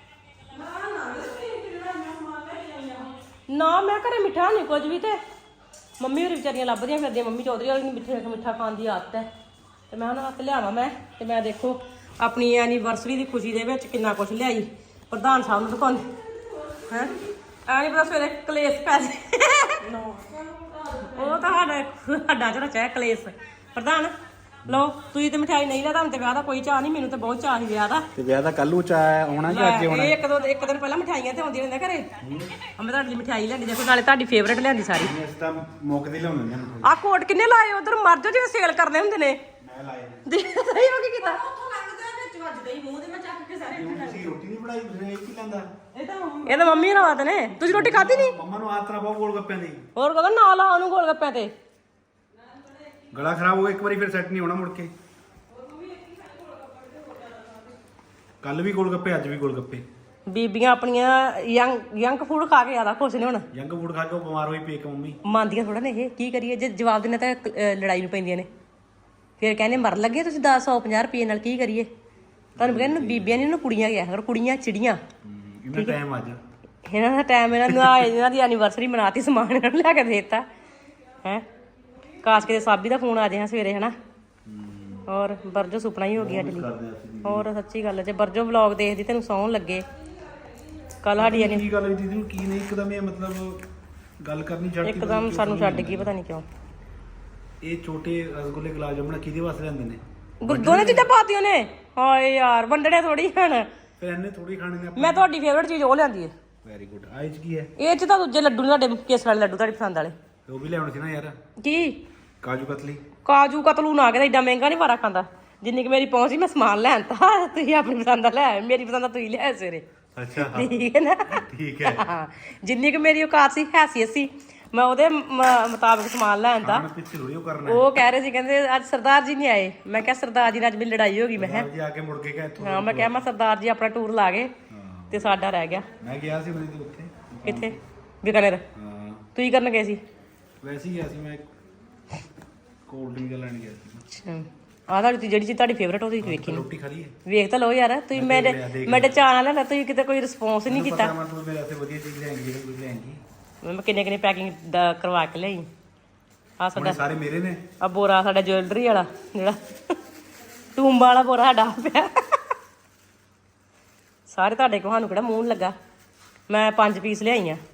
Speaker 1: ਨਾ ਮੈਂ ਘਰੇ ਮਿੱਠਾ ਨਹੀਂ ਕੁਝ ਵੀ, ਤੇ ਮੰਮੀ ਹੋਰੀ ਵਿਚਾਰੀਆਂ ਲੱਭਦੀਆਂ ਫਿਰਦੀਆਂ, ਮੰਮੀ ਚੌਧਰੀ ਵਾਲੀ ਨੂੰ ਮਿੱਠਾ ਖਾਣ ਦੀ ਆਦਤ ਹੈ, ਤੇ ਮੈਂ ਉਹਨਾਂ ਵਾਸਤੇ ਲਿਆਵਾਂ। ਤੇ ਮੈਂ ਦੇਖੋ ਆਪਣੀ ਐਨੀਵਰਸਰੀ ਦੀ ਖੁਸ਼ੀ ਦੇ ਵਿੱਚ ਕਿੰਨਾ ਕੁਝ ਲਿਆਈ, ਪ੍ਰਧਾਨ ਸਾਹਿਬ ਨੂੰ ਦਿਖਾਉਂਦੀ ਹੈ। ਐ ਨਹੀਂ ਪਤਾ ਸਵੇਰੇ ਕਲੇਸ਼ ਪੈ ਜੇ, ਉਹ ਤਾਂ ਸਾਡਾ ਚ ਰਚਿਆ ਕਲੇਸ਼। ਪ੍ਰਧਾਨ ਲਓ ਤੁਸੀਂ ਤੇ ਮਠਿਆਈ ਨਹੀਂ ਲਿਆ, ਤੁਹਾਨੂੰ ਤੇ ਵਿਆਹ ਦਾ ਕੋਈ ਚਾਹ ਨਹੀਂ, ਮੈਨੂੰ ਤੇ ਬਹੁਤ ਚਾਹ ਸੀ ਵਿਆਹ ਦਾ।
Speaker 3: ਤੇ ਵਿਆਹ ਦਾ ਕੱਲ ਨੂੰ ਚਾਹ ਆਉਣਾ ਕਿ ਅੱਜ ਆਉਣਾ?
Speaker 1: ਇੱਕ ਦਿਨ ਪਹਿਲਾਂ ਮਠਿਆਈਆਂ ਤੇ ਆਉਂਦੀਆਂ ਰਹਿੰਦੀਆਂ ਘਰੇ। ਮੈਂ ਤੁਹਾਡੇ ਲਈ ਮਠਿਆਈ ਲਿਆਂਦੀ, ਦੇਖੋ ਨਾਲੇ ਤੁਹਾਡੀ ਫੇਵਰੇਟ ਲਿਆਂਦੀ ਸਾਰੀ।
Speaker 3: ਅਸੀਂ ਤਾਂ ਮੌਕੇ ਦੀ ਲਿਆਉਂਦੇ ਨੇ।
Speaker 1: ਆਹ ਕੋਟ ਕਿੰਨੇ ਲਾਏ ਉਧਰ, ਮਰ ਜਾਓ ਜਿਵੇਂ ਸੇਲ ਕਰਦੇ ਹੁੰਦੇ ਨੇ।
Speaker 3: ਮੈਂ ਲਾਏ
Speaker 1: ਸਹੀ ਹੋ ਕੀ ਕੀਤਾ?
Speaker 2: ਵਿੱਚ ਵੱਜਦਾ ਹੀ ਮੂੰਹ ਤੇ, ਮੈਂ ਚੱਕ ਕੇ ਸਾਰੇ
Speaker 3: ਤੁਸੀਂ ਰੋਟੀ ਨਹੀਂ ਬਣਾਈ, ਤੁਸੀਂ ਇਹ ਕੀ ਲੈਂਦਾ?
Speaker 1: ਇਹ ਤਾਂ ਮੰਮੀ ਨਾਲ ਆਦਤ ਨੇ। ਤੁਸੀਂ ਰੋਟੀ ਖਾਧੀ ਨਹੀਂ?
Speaker 3: ਮੰਮਾ ਨੂੰ ਆਤਰਾ ਬਹੁਤ ਗੋਲ ਗੱਪਿਆਂ ਦੀ।
Speaker 1: ਹੋਰ ਕਹਦਾ ਨਾ ਲਾ ਉਹਨੂੰ ਗੋਲ ਗੱਪਿਆਂ ਤੇ।
Speaker 3: ਗਲਾ ਖਰਾਬ ਹੋ ਗਿਆ ਇੱਕ ਵਾਰੀ, ਫਿਰ ਸੈੱਟ ਨਹੀਂ ਹੋਣਾ ਮੁੜ ਕੇ। ਕੱਲ ਵੀ ਗੋਲ ਗੱਪੇ, ਅੱਜ ਵੀ ਗੋਲ ਗੱਪੇ।
Speaker 1: ਬੀਬੀਆਂ ਆਪਣੀਆਂ ਯੰਗ ਫੂਡ ਖਾ ਕੇ ਜ਼ਿਆਦਾ ਖੁਸ਼ ਨੇ ਹੁਣ।
Speaker 3: ਯੰਗ ਫੂਡ ਖਾ ਕੇ ਉਹ ਬਿਮਾਰ ਹੋਈ ਪਈ ਇੱਕ ਮੰਮੀ।
Speaker 1: ਮੰਨਦੀਆਂ ਥੋੜਾ ਨੇ ਇਹ, ਕੀ ਕਰੀਏ ਜੇ ਜਵਾਬ ਦਿੰਦੇ ਤਾਂ ਲੜਾਈ ਨੂੰ ਪੈਂਦੀਆਂ ਨੇ। ਫਿਰ ਕਹਿੰਦੇ ਮਰ ਲੱਗੇ ਤੁਸੀਂ 150 ਰੁਪਏ ਨਾਲ, ਕੀ ਕਰੀਏ। ਤੁਹਾਨੂੰ ਕਹਿੰਦੇ ਬੀਬੀਆਂ ਨਹੀਂ, ਉਹਨੂੰ ਕੁੜੀਆਂ ਗਿਆ ਕਰ, ਕੁੜੀਆਂ ਚਿੜੀਆਂ।
Speaker 3: ਇਹਨਾਂ ਟਾਈਮ ਅੱਜ
Speaker 1: ਇਹਨਾਂ ਦਾ ਟਾਈਮ, ਇਹਨਾਂ ਦੀ ਐਨੀਵਰਸਰੀ ਮਨਾਤੀ, ਸਮਾਨ ਇਹਨਾਂ ਨੂੰ ਲਿਆ ਕੇ ਦੇਤਾ ਹੈ। ਕਾਸ਼ ਕਿਤੇ ਸਾਬੀ ਦਾ ਫੋਨ ਆ ਜਾਏ ਸਵੇਰੇ ਹਨਾ। ਔਰ ਬਰਜੋ ਸੁਪਨਾ ਹੀ ਹੋ ਗਿਆ ਅੱਜ ਲਈ। ਹੋਰ ਸੱਚੀ ਗੱਲ ਹੈ, ਜੇ ਬਰਜੋ ਵਲੌਗ ਦੇਖਦੀ ਤੈਨੂੰ ਸੌਣ ਲੱਗੇ। ਕੱਲ ਸਾਡੀ
Speaker 3: ਕੀ ਗੱਲ ਹੋਈ ਦੀਦੀ ਨੂੰ, ਕੀ ਨਹੀਂ ਇੱਕਦਮ ਇਹ ਮਤਲਬ ਗੱਲ ਕਰਨੀ ਛੱਡ ਦਿੱਤੀ?
Speaker 1: ਇੱਕਦਮ ਸਾਨੂੰ ਛੱਡ ਗਈ, ਪਤਾ ਨਹੀਂ ਕਿਉਂ।
Speaker 3: ਇਹ ਛੋਟੇ ਰਸਗੁੱਲੇ ਗੁਲਾਬ ਜਾਮੁਨ ਕਿਹਦੇ ਵਾਸਤੇ ਲੈਂਦੇ ਨੇ?
Speaker 1: ਦੋਨੇ ਚੀਜ਼ਾਂ ਪਾਤੀਆਂ ਨੇ। ਹਾਏ ਯਾਰ ਵੰਡਣੇ ਥੋੜੀ ਹਨ,
Speaker 3: ਫਿਰ ਇਹਨੇ ਥੋੜੀ ਖਾਣੇ ਨੇ।
Speaker 1: ਮੈਂ ਤੁਹਾਡੀ ਫੇਵਰਟ ਚੀਜ਼ ਉਹ ਲਿਆਂਦੀ ਹੈ।
Speaker 3: Very good. ਆਹ ਚ ਕੀ ਹੈ?
Speaker 1: ਇਹ ਚ ਤਾਂ ਦੂਜੇ ਲੱਡੂ ਨੇ, ਤੁਹਾਡੇ ਕੇਸਰ ਵਾਲੇ ਲੱਡੂ ਤੁਹਾਡੀ ਪਸੰਦ ਵਾਲੇ।
Speaker 3: ਉਹ ਵੀ ਲਿਆਉਣੇ ਸੀ ਨਾ ਯਾਰ।
Speaker 1: ਕੀ
Speaker 3: ਕਾਜੂ ਕਤਲੀ?
Speaker 1: ਕਾਜੂ ਕਤਲੂ ਨਾ ਕੇ, ਏਡਾ ਮਹਿੰਗਾ ਨਹੀਂ ਵਾਰਾ ਖਾਂਦਾ। ਜਿੰਨੀ ਕਿ ਮੇਰੀ ਪਹੁੰਚ ਸੀ ਮੈਂ ਸਮਾਨ ਲੈਣ ਤਾ, ਤੁਸੀਂ ਆਪਣੀ ਪਸੰਦ ਦਾ ਲੈ ਆਏ, ਮੇਰੀ ਪਸੰਦ ਦਾ ਤੁਸੀਂ ਲਿਆਏ ਸਵੇਰੇ।
Speaker 3: ਅੱਛਾ
Speaker 1: ਠੀਕ ਹੈ ਨਾ?
Speaker 3: ਠੀਕ ਹੈ।
Speaker 1: ਹਾਂ ਜਿੰਨੀ ਕਿ ਮੇਰੀ ਔਕਾਤ ਸੀ, ਹੈਸੀਅਤ ਸੀ, ਮੈਂ ਉਹਦੇ ਮੁਤਾਬਕ ਸਮਾਨ ਲੈਣ ਤਾ।
Speaker 3: ਪਿੱਛੇ ਥੋੜੀ ਉਹ ਕਰਨਾ।
Speaker 1: ਉਹ ਕਹਿ ਰਹੇ ਸੀ, ਕਹਿੰਦੇ ਅੱਜ ਸਰਦਾਰ ਜੀ ਨਹੀਂ ਆਏ। ਮੈਂ ਕਿਹਾ ਸਰਦਾਰ ਜੀ ਨਾਲ ਅੱਜ ਮੇਰੀ ਲੜਾਈ ਹੋ ਗਈ। ਮੈਂ ਕਿਹਾ
Speaker 3: ਜੀ ਆ ਕੇ ਮੁੜ ਕੇ ਗਏ ਇੱਥੋਂ।
Speaker 1: ਹਾਂ, ਮੈਂ ਕਿਹਾ ਮੈਂ ਸਰਦਾਰ ਜੀ ਆਪਣਾ ਟੂਰ ਲਾ ਗਏ ਤੇ ਸਾਡਾ ਰਹਿ ਗਿਆ।
Speaker 3: ਮੈਂ ਗਿਆ ਸੀ ਉਹਦੇ ਤੇ ਉੱਥੇ।
Speaker 1: ਕਿੱਥੇ? ਬੀਕਾਨੇਰ।
Speaker 3: ਹਾਂ
Speaker 1: ਤੁਸੀਂ ਕਰਨ ਗਏ ਸੀ?
Speaker 3: ਵੈਸੇ ਹੀ ਗਿਆ ਸੀ ਮੈਂ, ਕੋਲਡ ਡਰਿੰਕ ਲੈਣ ਗਿਆ ਸੀ।
Speaker 1: ਅੱਛਾ ਆਹ ਤੁਹਾਡੀ ਜਿਹੜੀ ਚੀਜ਼ ਤੁਹਾਡੀ ਫੇਵਰਟ ਉਹ ਤੁਸੀਂ ਵੇਖੀ ਨਹੀਂ।
Speaker 3: ਰੋਟੀ ਖਾ ਲਈ ਹੈ?
Speaker 1: ਵੇਖ ਤਾਂ ਲਓ ਯਾਰ, ਤੁਸੀਂ ਮੇਰੇ ਚਾਅ ਨਾਲ ਤੁਸੀਂ ਕਿਤੇ ਕੋਈ ਰਿਸਪੌਂਸ ਨਹੀਂ ਕੀਤਾ।
Speaker 3: ਪਤਾ ਮੈਂ ਤੂੰ ਮੇਰੇ ਵਾਸਤੇ ਵਧੀਆ ਚੀਜ਼ ਲੈਂਗੀ, ਜਿਹੜੀ ਕੁਝ ਲੈਂਗੀ।
Speaker 1: ਮੈਂ ਕਿੰਨੇ ਪੈਕਿੰਗ ਦਾ ਕਰਵਾ ਕੇ ਲਈ। ਆ ਸਾਡਾ
Speaker 3: ਸਾਰੇ ਮੇਰੇ ਨੇ।
Speaker 1: ਆ ਬੋਰਾ ਸਾਡਾ ਜੁਐਲਰੀ ਵਾਲਾ, ਜਿਹੜਾ ਟੂੰਬਾ ਵਾਲਾ ਬੋਰਾ ਸਾਡਾ ਪਿਆ। ਸਾਰੇ ਤੁਹਾਡੇ ਕੋਲ, ਸਾਨੂੰ ਕਿਹੜਾ ਮੂੰਹ ਲੱਗਾ। ਮੈਂ 5 ਪੀਸ ਲਿਆਈ ਆ।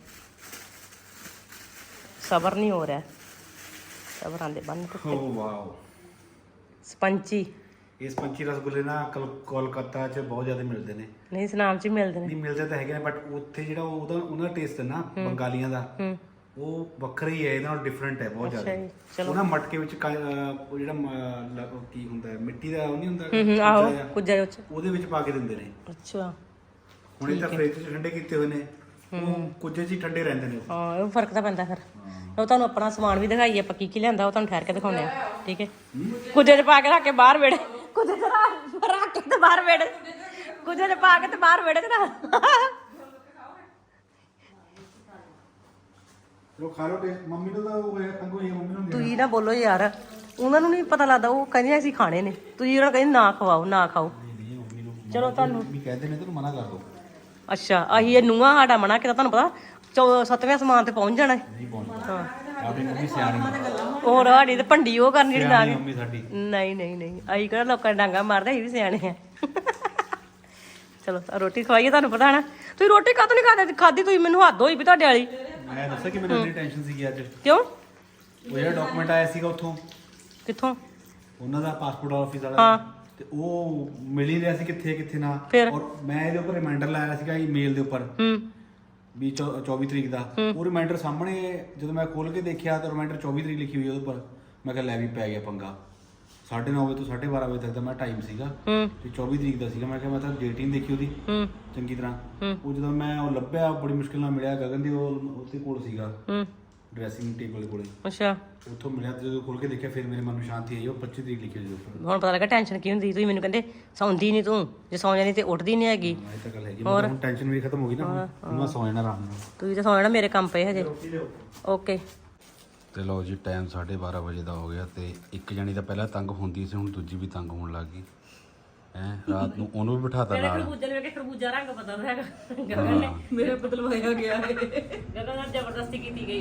Speaker 1: ਸਬਰ ਨਹੀਂ ਹੋ ਰਿਹਾ, ਸਬਰ ਆਂਦੇ ਬੰਨ।
Speaker 3: Oh wow.
Speaker 1: ਸਪੰਚੀ।
Speaker 3: ਇਹ ਸਪੰਚੀ ਰਸਗੁੱਲੇ ਨਾ ਕੋਲਕਾਤਾ 'ਚ ਬਹੁਤ ਜ਼ਿਆਦਾ ਮਿਲਦੇ ਨੇ।
Speaker 1: ਨਹੀਂ ਸੁਨਾਮ 'ਚ ਹੀ ਮਿਲਦੇ ਨੇ।
Speaker 3: ਨਹੀਂ ਮਿਲਦੇ ਤਾਂ ਹੈਗੇ ਨੇ, ਬਟ ਉੱਥੇ ਜਿਹੜਾ ਉਹਨਾਂ ਦਾ ਟੇਸਟ ਹੈ ਨਾ ਬੰਗਾਲੀਆਂ ਦਾ, ਉਹ ਵੱਖਰਾ ਹੀ ਹੈ, ਇਹਦੇ ਨਾਲ ਡਿਫਰੈਂਟ ਹੈ ਬਹੁਤ ਜ਼ਿਆਦਾ। ਉਹ ਨਾ ਮਟਕੇ ਵਿੱਚ ਉਹ ਜਿਹੜਾ ਕੀ ਹੁੰਦਾ ਹੈ, ਮਿੱਟੀ ਦਾ ਉਹ ਨਹੀਂ ਹੁੰਦਾ,
Speaker 1: ਆਹੋ ਕੁੱਜਾ
Speaker 3: ਉਹਦੇ ਵਿੱਚ ਪਾ ਕੇ ਦਿੰਦੇ ਨੇ।
Speaker 1: ਅੱਛਾ
Speaker 3: ਹੁਣ ਇਹ ਤਾਂ ਫ੍ਰਿਜ 'ਚ ਠੰਡੇ ਕੀਤੇ ਹੋਏ ਨੇ, ਉਹ ਕੁੱਜੇ 'ਚ ਹੀ ਠੰਡੇ ਰਹਿੰਦੇ ਨੇ।
Speaker 1: ਹਾਂ ਉਹ ਫਰਕ ਤਾਂ ਪੈਂਦਾ ਫਿਰ। ਉਹ ਤੁਹਾਨੂੰ ਆਪਣਾ ਸਮਾਨ ਵੀ ਦਿਖਾਈਏ, ਆਪਾਂ ਕੀ ਲਿਆਂਦਾ ਉਹ ਤੁਹਾਨੂੰ ਠਹਿਰ ਕੇ ਦਿਖਾਉਂਦੇ ਆ। ਠੀਕ ਹੈ? ਕੁੱਜੇ 'ਚ ਪਾ ਕੇ ਰੱਖ ਕੇ ਬਾਹਰ ਵੇੜੇ, ਕੁੱਜੇ 'ਚ ਰੱਖ ਕੇ ਤੇ ਬਾਹਰ ਵੇੜੇ, ਕੁੱਜੇ 'ਚ ਪਾ ਕੇ ਤੇ ਬਾਹਰ ਵੇੜੇ ਤੇ ਨਾ।
Speaker 3: ਲੋ ਖਾ ਲੋ, ਮੰਮੀ ਨੂੰ ਤਾਂ ਉਹ ਹੋਇਆ ਤੰਗੋ ਹੀ, ਮੰਮੀ ਨੂੰ
Speaker 1: ਤੁਸੀਂ ਨਾ ਬੋਲੋ ਯਾਰ, ਉਹਨਾਂ ਨੂੰ ਨਹੀਂ ਪਤਾ ਲੱਗਦਾ, ਉਹ ਕਹਿੰਦੇ ਅਸੀਂ ਖਾਣੇ ਨੇ, ਤੁਸੀਂ ਉਹਨਾਂ ਨੂੰ ਕਹਿੰਦੇ ਨਾ ਖਵਾਓ ਨਾ ਖਾਓ। ਚਲੋ ਤੁਹਾਨੂੰ
Speaker 3: ਵੀ ਕਹਿੰਦੇ ਨੇ, ਤੈਨੂੰ ਮਨਾ ਕਰ ਦੋ।
Speaker 1: ਅੱਛਾ ਆਹੀ ਇਹ ਨੂੰਹਾਂ ਸਾਡਾ ਮਨਾ ਕੀਤਾ, ਤੁਹਾਨੂੰ ਪਤਾ 7ਵੇਂ ਸਮਾਨ ਤੇ ਪਹੁੰਚ ਜਾਣਾ।
Speaker 3: ਨਹੀਂ ਪਹੁੰਚਦਾ। ਆਪਣੀ ਮੰਮੀ ਸਿਆਣੀ।
Speaker 1: ਹੋਰ ਸਾਡੀ ਤੇ ਭੰਡੀ ਉਹ ਕਰਨੀ ਜਿਹੜੀ ਨਾ।
Speaker 3: ਮੰਮੀ ਸਾਡੀ
Speaker 1: ਨਹੀਂ ਅਸੀਂ ਕਿਹੜਾ ਲੋਕਾਂ ਦੇ ਡਾਂਗਾ ਮਾਰਦੇ, ਅਸੀਂ ਵੀ ਸਿਆਣੇ ਆ। ਚਲੋ ਰੋਟੀ ਖਵਾਈਏ, ਤੁਹਾਨੂੰ ਪਤਾ ਨਾ। ਤੁਸੀਂ ਰੋਟੀ ਕਾਹਤੋਂ ਨਹੀਂ ਖਾਧੀ? ਤੁਸੀਂ ਮੈਨੂੰ ਹੱਦ ਹੋਈ ਵੀ ਤੁਹਾਡੇ ਵਾਲੀ।
Speaker 3: ਮੈਂ ਦੱਸਿਆ ਕਿ ਮੈਨੂੰ ਇੰਨੀ ਟੈਨਸ਼ਨ ਸੀਗੀ ਅੱਜ।
Speaker 1: ਕਿਉਂ?
Speaker 3: ਉਹ ਜਿਹੜਾ ਡਾਕੂਮੈਂਟ ਆਇਆ ਸੀਗਾ ਉੱਥੋਂ,
Speaker 1: ਕਿੱਥੋਂ?
Speaker 3: ਉਹਨਾਂ ਦਾ ਪਾਸਪੋਰਟ ਆਫਿਸ ਵਾਲਾ।
Speaker 1: ਹਾਂ
Speaker 3: ਤੇ ਉਹ ਮਿਲ ਹੀ ਰਿਹਾ ਸੀ ਕਿੱਥੇ ਨਾ।
Speaker 1: ਫਿਰ?
Speaker 3: ਔਰ ਮੈਂ ਇਹਦੇ ਉੱਪਰ ਰਿਮਾਈਂਡਰ ਲਾਇਆ ਸੀਗਾ ਈਮੇਲ ਦੇ ਉੱਪਰ ਵੀ 24 ਤਰੀਕ ਦਾ। ਉਹ ਰਿਮਾਈਂਡਰ ਸਾਹਮਣੇ ਜਦੋਂ ਮੈਂ ਖੋਲ ਕੇ ਦੇਖਿਆ ਤਾਂ ਰਿਮਾਈਂਡਰ 24 ਤਰੀਕ ਲਿਖੀ ਹੋਈ ਉਹਦੇ ਉੱਪਰ। ਮੈਂ ਕਿਹਾ ਲੈ ਵੀ ਪੈ ਗਿਆ ਪੰਗਾ। 9:30 ਵਜੇ ਤੋਂ 12:30 ਵਜੇ ਤੱਕ ਦਾ ਮੈਂ ਟਾਈਮ ਸੀਗਾ ਤੇ 24 ਤਰੀਕ ਦਾ ਸੀਗਾ। ਮੈਂ ਕਿਹਾ ਮੈਂ ਤਾਂ ਡੇਟ ਹੀ ਨਹੀਂ ਦੇਖੀ ਉਹਦੀ ਚੰਗੀ ਤਰ੍ਹਾਂ। ਉਹ ਜਦੋਂ ਮੈਂ ਉਹ ਲੱਭਿਆ ਬੜੀ ਮੁਸ਼ਕਿਲ ਨਾਲ ਮਿਲਿਆ, ਗਗਨ ਦੀ ਉਹ ਉਹਦੇ ਕੋਲ ਸੀਗਾ ਡਰੈਸਿੰਗ ਟੇਬਲ ਕੋਲੇ।
Speaker 1: ਅੱਛਾ,
Speaker 3: ਉੱਥੋਂ ਮਿਲਿਆ ਤੇ ਜਦੋਂ ਖੋਲ ਕੇ ਦੇਖਿਆ ਫਿਰ ਮੇਰੇ ਮਨ ਨੂੰ ਸ਼ਾਂਤੀ ਆਈ। ਉਹ 25 ਤਰੀਕ ਲਿਖੀ ਹੋਈ ਉੱਪਰ।
Speaker 1: ਹੁਣ ਪਤਾ ਲੱਗਾ ਟੈਨਸ਼ਨ ਕੀ ਹੁੰਦੀ। ਤੁਸੀਂ ਮੈਨੂੰ ਕਹਿੰਦੇ ਸੌਂਦੀ ਨਹੀਂ ਤੂੰ, ਜੇ ਸੌਂ ਜਾਣੀ ਤੇ ਉੱਠਦੀ ਨਹੀਂ ਹੈਗੀ।
Speaker 3: ਇਹ ਤਾਂ ਗੱਲ ਹੈਗੀ। ਹੁਣ ਟੈਨਸ਼ਨ ਵੀ ਖਤਮ ਹੋ ਗਈ ਨਾ, ਹੁਣ ਮੈਂ ਸੌ ਜਾਣਾ ਆਰਾਮ ਨਾਲ।
Speaker 1: ਤੁਸੀਂ ਤਾਂ ਸੌਂ ਜਾਣਾ, ਮੇਰੇ ਕੰਮ ਪਏ ਹਜੇ। ਓਕੇ
Speaker 3: ਤੇ ਲਓ ਜੀ, ਟਾਈਮ 12:30 ਵਜੇ ਦਾ ਹੋ ਗਿਆ ਤੇ ਇੱਕ ਜਣੀ ਤਾਂ ਪਹਿਲਾਂ ਤੰਗ ਹੁੰਦੀ ਸੀ, ਹੁਣ ਦੂਜੀ ਵੀ ਤੰਗ ਹੋਣ ਲੱਗ ਗਈ ਹੈ। ਰਾਤ ਨੂੰ ਉਹਨੂੰ ਵੀ ਬਿਠਾਤਾ ਨਾਲ।
Speaker 1: ਖਰਬੂਜਾ ਰੰਗ ਪਤਾ ਹੈਗਾ ਗਗਨ ਨੇ,
Speaker 2: ਮੇਰੇ ਬਦਲਵਾਇਆ ਗਿਆ ਹੈ।
Speaker 1: ਗਗਨ ਨਾਲ ਜ਼ਬਰਦਸਤੀ ਕੀਤੀ ਗਈ।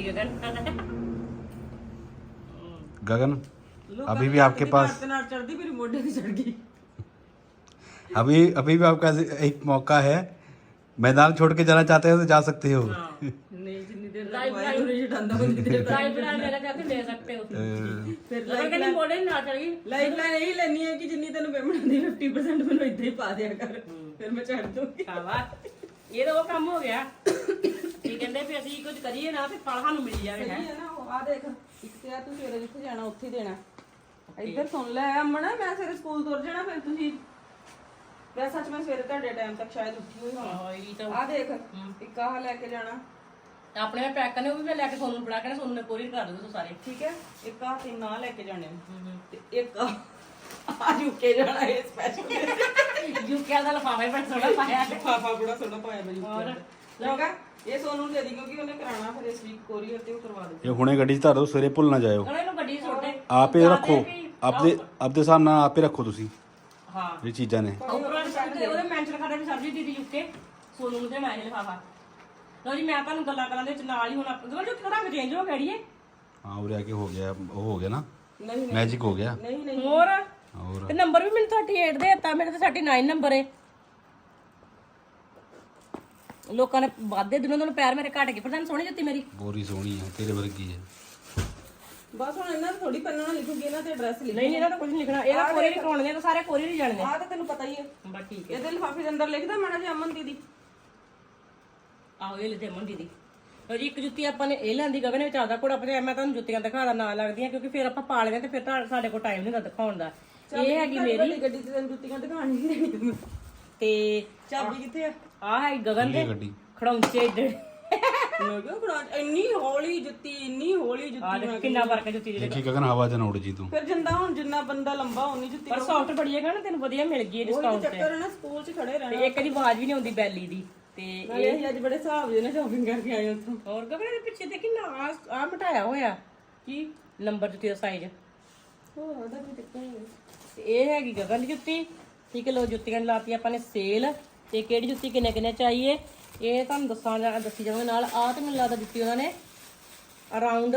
Speaker 3: गगन अभी भी आपके पास
Speaker 2: चढ़ती मेरी मोढे की चढ़ गई।
Speaker 3: अभी भी आपका एक मौका है। मैदान छोड़ के जाना चाहते हो तो जा सकते हो।
Speaker 2: नहीं जितनी देर तक वायु नहीं छटांदा उतनी देर तक
Speaker 1: लाइफ लाइन मेरा जाके ले सकते हो।
Speaker 2: फिर
Speaker 1: लाइफ लाइन मोड़े ना चढ़ी।
Speaker 2: लाइफ लाइन यही लेनी है कि जितनी तेन पेमेंट आती 50% मैंने इतना ही पा दिया कर, फिर मैं चढ़ दूंगी।
Speaker 1: ਇਹ ਤਾਂ ਉਹ ਕੰਮ ਹੋ ਗਿਆ। ਕੀ ਕਹਿੰਦੇ ਵੀ ਅਸੀਂ ਕੁਝ ਕਰੀਏ ਨਾ ਤੇ ਫਲ ਸਾਨੂੰ ਮਿਲ ਜਾਵੇ।
Speaker 2: ਸਹੀ ਹੈ ਨਾ। ਆ ਦੇਖ, ਇੱਕ ਤੇ ਆ ਤੂੰ ਸਵੇਰੇ ਜਿੱਥੇ ਜਾਣਾ ਉੱਥੇ ਹੀ ਦੇਣਾ। ਇੱਧਰ ਸੁਣ ਲੈ ਅਮਨ, ਮੈਂ ਸਵੇਰੇ ਸਕੂਲ ਤੁਰ ਜਾਣਾ, ਫਿਰ ਤੁਸੀਂ ਵੈਸੇ ਸੱਚ ਮੈਂ ਸਵੇਰੇ ਤੁਹਾਡੇ ਟਾਈਮ ਤੱਕ ਸ਼ਾਇਦ ਉੱਠੀ ਹੋਈ ਹੋਵਾਂ। ਆ ਦੇਖ, ਇੱਕ ਆਹ ਲੈ ਕੇ ਜਾਣਾ
Speaker 1: ਆਪਣੇ ਮੈਂ ਪੈਕ ਕਰਨੇ, ਉਹ ਵੀ ਮੈਂ ਲੈ ਕੇ ਸੋਨੂੰ ਫੜਾ ਕੇ ਸੋਨੂੰ ਨੇ ਕੋਰੀਅਰ ਕਰ ਦੂੰਗਾ ਸਾਰੇ।
Speaker 2: ਠੀਕ ਹੈ। ਇੱਕ ਆ ਤਿੰਨ ਆ ਲੈ ਕੇ ਜਾਣੇ ਤੇ ਇੱਕ ਆ ਯੂਕੇ ਜਾਣਾ ਹੈ ਸਪੈਸ਼ਲ।
Speaker 1: ਯੂਕੇ ਦਾ ਲਫਾਫਾ ਹੀ ਬੜਾ ਸੋਹਣਾ ਪਾਇਆ।
Speaker 2: ਲਿਫਾਫਾ ਬੜਾ ਸੋਹਣਾ ਪਾਇਆ ਬਈ ਯੂਕੇ ਦਾ। ਇਹ ਸੋਨੂੰ ਦੇ ਦੀ ਕਿਉਂਕਿ ਉਹਨੇ ਕਰਾਣਾ ਫਿਰ ਇਸ ਵੀਕ ਕੋਰੀਅਰ ਤੇ ਉਹ ਕਰਵਾ ਦੇ।
Speaker 3: ਇਹ ਹੁਣੇ ਗੱਡੀ 'ਚ ਧਰ ਦਿਓ, ਸਵੇਰੇ ਭੁੱਲ ਨਾ ਜਾਇਓ।
Speaker 1: ਇਹਨੂੰ ਗੱਡੀ ਸੁੱਟ ਦੇ,
Speaker 3: ਆਪੇ ਰੱਖੋ, ਆਪਦੇ ਹਿਸਾਬ ਨਾਲ ਆਪੇ ਰੱਖੋ ਤੁਸੀਂ।
Speaker 1: ਹਾਂ
Speaker 3: ਇਹ ਚੀਜ਼ਾਂ ਨੇ
Speaker 1: ਉਹਦੇ ਮੈਂਸ਼ਨ ਕਰਦਾ ਵੀ ਸਰਜੀ ਦੀਦੀ ਯੂਕੇ ਸੋਨੂੰ ਨੂੰ ਦੇਣਾ ਇਹ ਲਿਫਾਫਾ। ਲੋ ਜੀ, ਮੈਂ ਤੁਹਾਨੂੰ ਗੱਲਾਂ ਕਰਾਂ ਦੇ ਵਿੱਚ ਨਾਲ ਹੀ ਹੁਣ ਆਪਣਾ ਜੋ ਰੰਗ ਚੇਂਜ ਹੋ ਗਿਆ ਢੀਏ।
Speaker 3: ਹਾਂ, ਉਰੇ ਆ ਕੇ ਹੋ ਗਿਆ, ਉਹ ਹੋ ਗਿਆ ਨਾ,
Speaker 2: ਨਹੀਂ
Speaker 3: ਮੈਜਿਕ ਹੋ ਗਿਆ।
Speaker 2: ਨਹੀਂ ਨਹੀਂ
Speaker 1: ਹੋਰ ਤੇ ਨੰਬਰ ਵੀ ਮੈਨੂੰ 38 ਦੇ ਦਿੱਤਾ, ਮੇਰੇ ਤੇ 39 ਨੰਬਰ ਹੈ। ਲੋਕਾਂ ਨੇ ਵਾਧੇ ਦਿਨੋਂ ਦਿਨ ਪੈਰ ਮੇਰੇ ਘਟ ਗਏ, ਪਰ ਤੁਹਾਨੂੰ ਸੋਹਣੀ ਜੁੱਤੀ ਮੇਰੀ
Speaker 3: ਬੋਰੀ ਸੋਹਣੀ ਹੈ, ਤੇਰੇ ਵਰਗੀ ਹੈ।
Speaker 2: ਬਸ ਹੁਣ ਇਹਨਾਂ ਥੋੜੀ ਪੈਨ ਨਾਲ ਲਿਖੂਗੀ, ਇਹਨਾਂ ਤੇ ਐਡਰੈਸ ਲਿਖ।
Speaker 1: ਨਹੀਂ ਇਹਨਾਂ ਦਾ ਕੁਝ ਨਹੀਂ ਲਿਖਣਾ, ਇਹਦਾ ਕੋਰੀਅਰ ਹੀ ਕਰਾਉਣੇ ਤਾਂ ਸਾਰੇ ਕੋਰੀਅਰ ਹੀ ਜਾਣਗੇ।
Speaker 2: ਆਹ ਤਾਂ ਤੈਨੂੰ ਪਤਾ ਹੀ ਹੈ।
Speaker 1: ਬਸ ਠੀਕ ਹੈ।
Speaker 2: ਇਹਦੇ ਲਿਫਾਫੇ ਦੇ ਅੰਦਰ ਲਿਖਦਾ ਮਾੜਾ ਜਿਹਾ ਅਮਨ ਦੀਦੀ।
Speaker 1: ਆਹੋ ਇਹ ਲਿਖਦੇ ਮੰਡੀ ਦੀ। ਲੋ ਜੀ, ਇੱਕ ਜੁੱਤੀ ਆਪਾਂ ਨੇ ਇਹ ਲੈਂਦੀ ਗਗਨ ਵਿੱਚ ਆਦਾ ਕੋੜਾ ਆਪਣੇ। ਮੈਂ ਤੁਹਾਨੂੰ ਜੁੱਤੀਆਂ ਦਿਖਾਦਾ ਨਾ ਲੱਗਦੀਆਂ ਕਿਉਂਕਿ ਫਿਰ ਆਪਾਂ ਪਾ ਲੈਂਦੇ ਤੇ ਫਿਰ ਸਾਡੇ ਕੋਲ ਟਾਈਮ ਨਹੀਂ ਹੁੰਦਾ ਦਿਖਾਉਣ ਦਾ। ਇਹ ਹੈਗੀ ਮੇਰੀ
Speaker 2: ਗੱਡੀ ਤੇ ਤੈਨੂੰ ਜੁੱਤੀਆਂ ਦਿਖਾਣੀ ਨਹੀਂ ਦੇਣੀ
Speaker 1: ਤੇ
Speaker 2: ਚਾਬੀ ਕਿੱਥੇ ਆ?
Speaker 1: ਆਹ ਹੈ ਗਗਨ ਦੇ
Speaker 3: ਗੱਡੀ
Speaker 1: ਖੜੌਂਚੇ ਏਡੇ।
Speaker 2: ਮੈਂ ਕਿਹਾ ਖੜਾ ਇੰਨੀ ਹੌਲੀ ਜੁੱਤੀ, ਇੰਨੀ ਹੌਲੀ ਜੁੱਤੀ।
Speaker 1: ਕਿੰਨਾ ਫਰਕ ਹੈ ਜੁੱਤੀ ਦੇ।
Speaker 3: ਦੇਖੀ ਗਗਨ ਹਵਾ 'ਚ ਨਾ ਉੱਡ ਜੀ ਤੂੰ।
Speaker 2: ਫਿਰ ਜਿੰਦਾ ਹੁਣ ਜਿੰਨਾ ਬੰਦਾ ਲੰਬਾ ਉਨੀ ਜੁੱਤੀ।
Speaker 1: ਪਰ ਸੌਫਟ ਬੜੀ ਹੈਗਾ ਨਾ, ਤੈਨੂੰ ਵਧੀਆ ਮਿਲ ਗਈ ਡਿਸਕਾਊਂਟ ਤੇ।
Speaker 2: ਚੱਕਰ ਹੈ ਨਾ, ਸਕੂਲ 'ਚ ਖੜੇ ਰਹਿਣਾ।
Speaker 1: ਤੇ ਇੱਕ ਦੀ ਆਵਾਜ਼ ਵੀ ਨਹੀਂ ਆਉਂਦੀ ਬੈਲੀ ਦੀ। ਤੇ
Speaker 2: ਇਹ ਅੱਜ ਬੜੇ ਹਿਸਾਬ ਦੇ ਨਾਲ ਸ਼ਾਪਿੰਗ ਕਰਕੇ ਆਏ ਉੱਥੋਂ।
Speaker 1: ਹੋਰ ਗਗਨ ਦੇ ਪਿੱਛੇ ਤੇ ਕਿੰਨਾ ਆ ਮਟਾਇਆ ਹੋਇਆ ਕੀ ਨੰਬਰ ਜੁੱਤੀ ਦਾ ਸਾਈਜ਼।
Speaker 2: ਹੋਰ ਉਹਦਾ ਵੀ ਚੱਕਰ ਹੈ।
Speaker 1: ਤੇ ਇਹ ਹੈਗੀ ਗਗਨ ਦੀ ਜੁੱਤੀ। ਠੀਕ ਹੈ, ਲੋ ਜੁੱਤੀਆਂ ਲਾਤੀ ਆਪਾਂ ਨੇ ਸੇਲ। ਤੇ ਕਿਹੜੀ ਜੁੱਤੀ ਕਿੰਨੇ ਕਿੰਨੇ ਚਾਹੀਏ ਇਹ ਤੁਹਾਨੂੰ ਦੱਸੀ ਜਾਵਾਂਗੇ ਨਾਲ। ਆਹ ਤੇ ਮੈਨੂੰ ਲੱਗਦਾ ਦਿੱਤੀ ਉਹਨਾਂ ਨੇ ਅਰਾਊਂਡ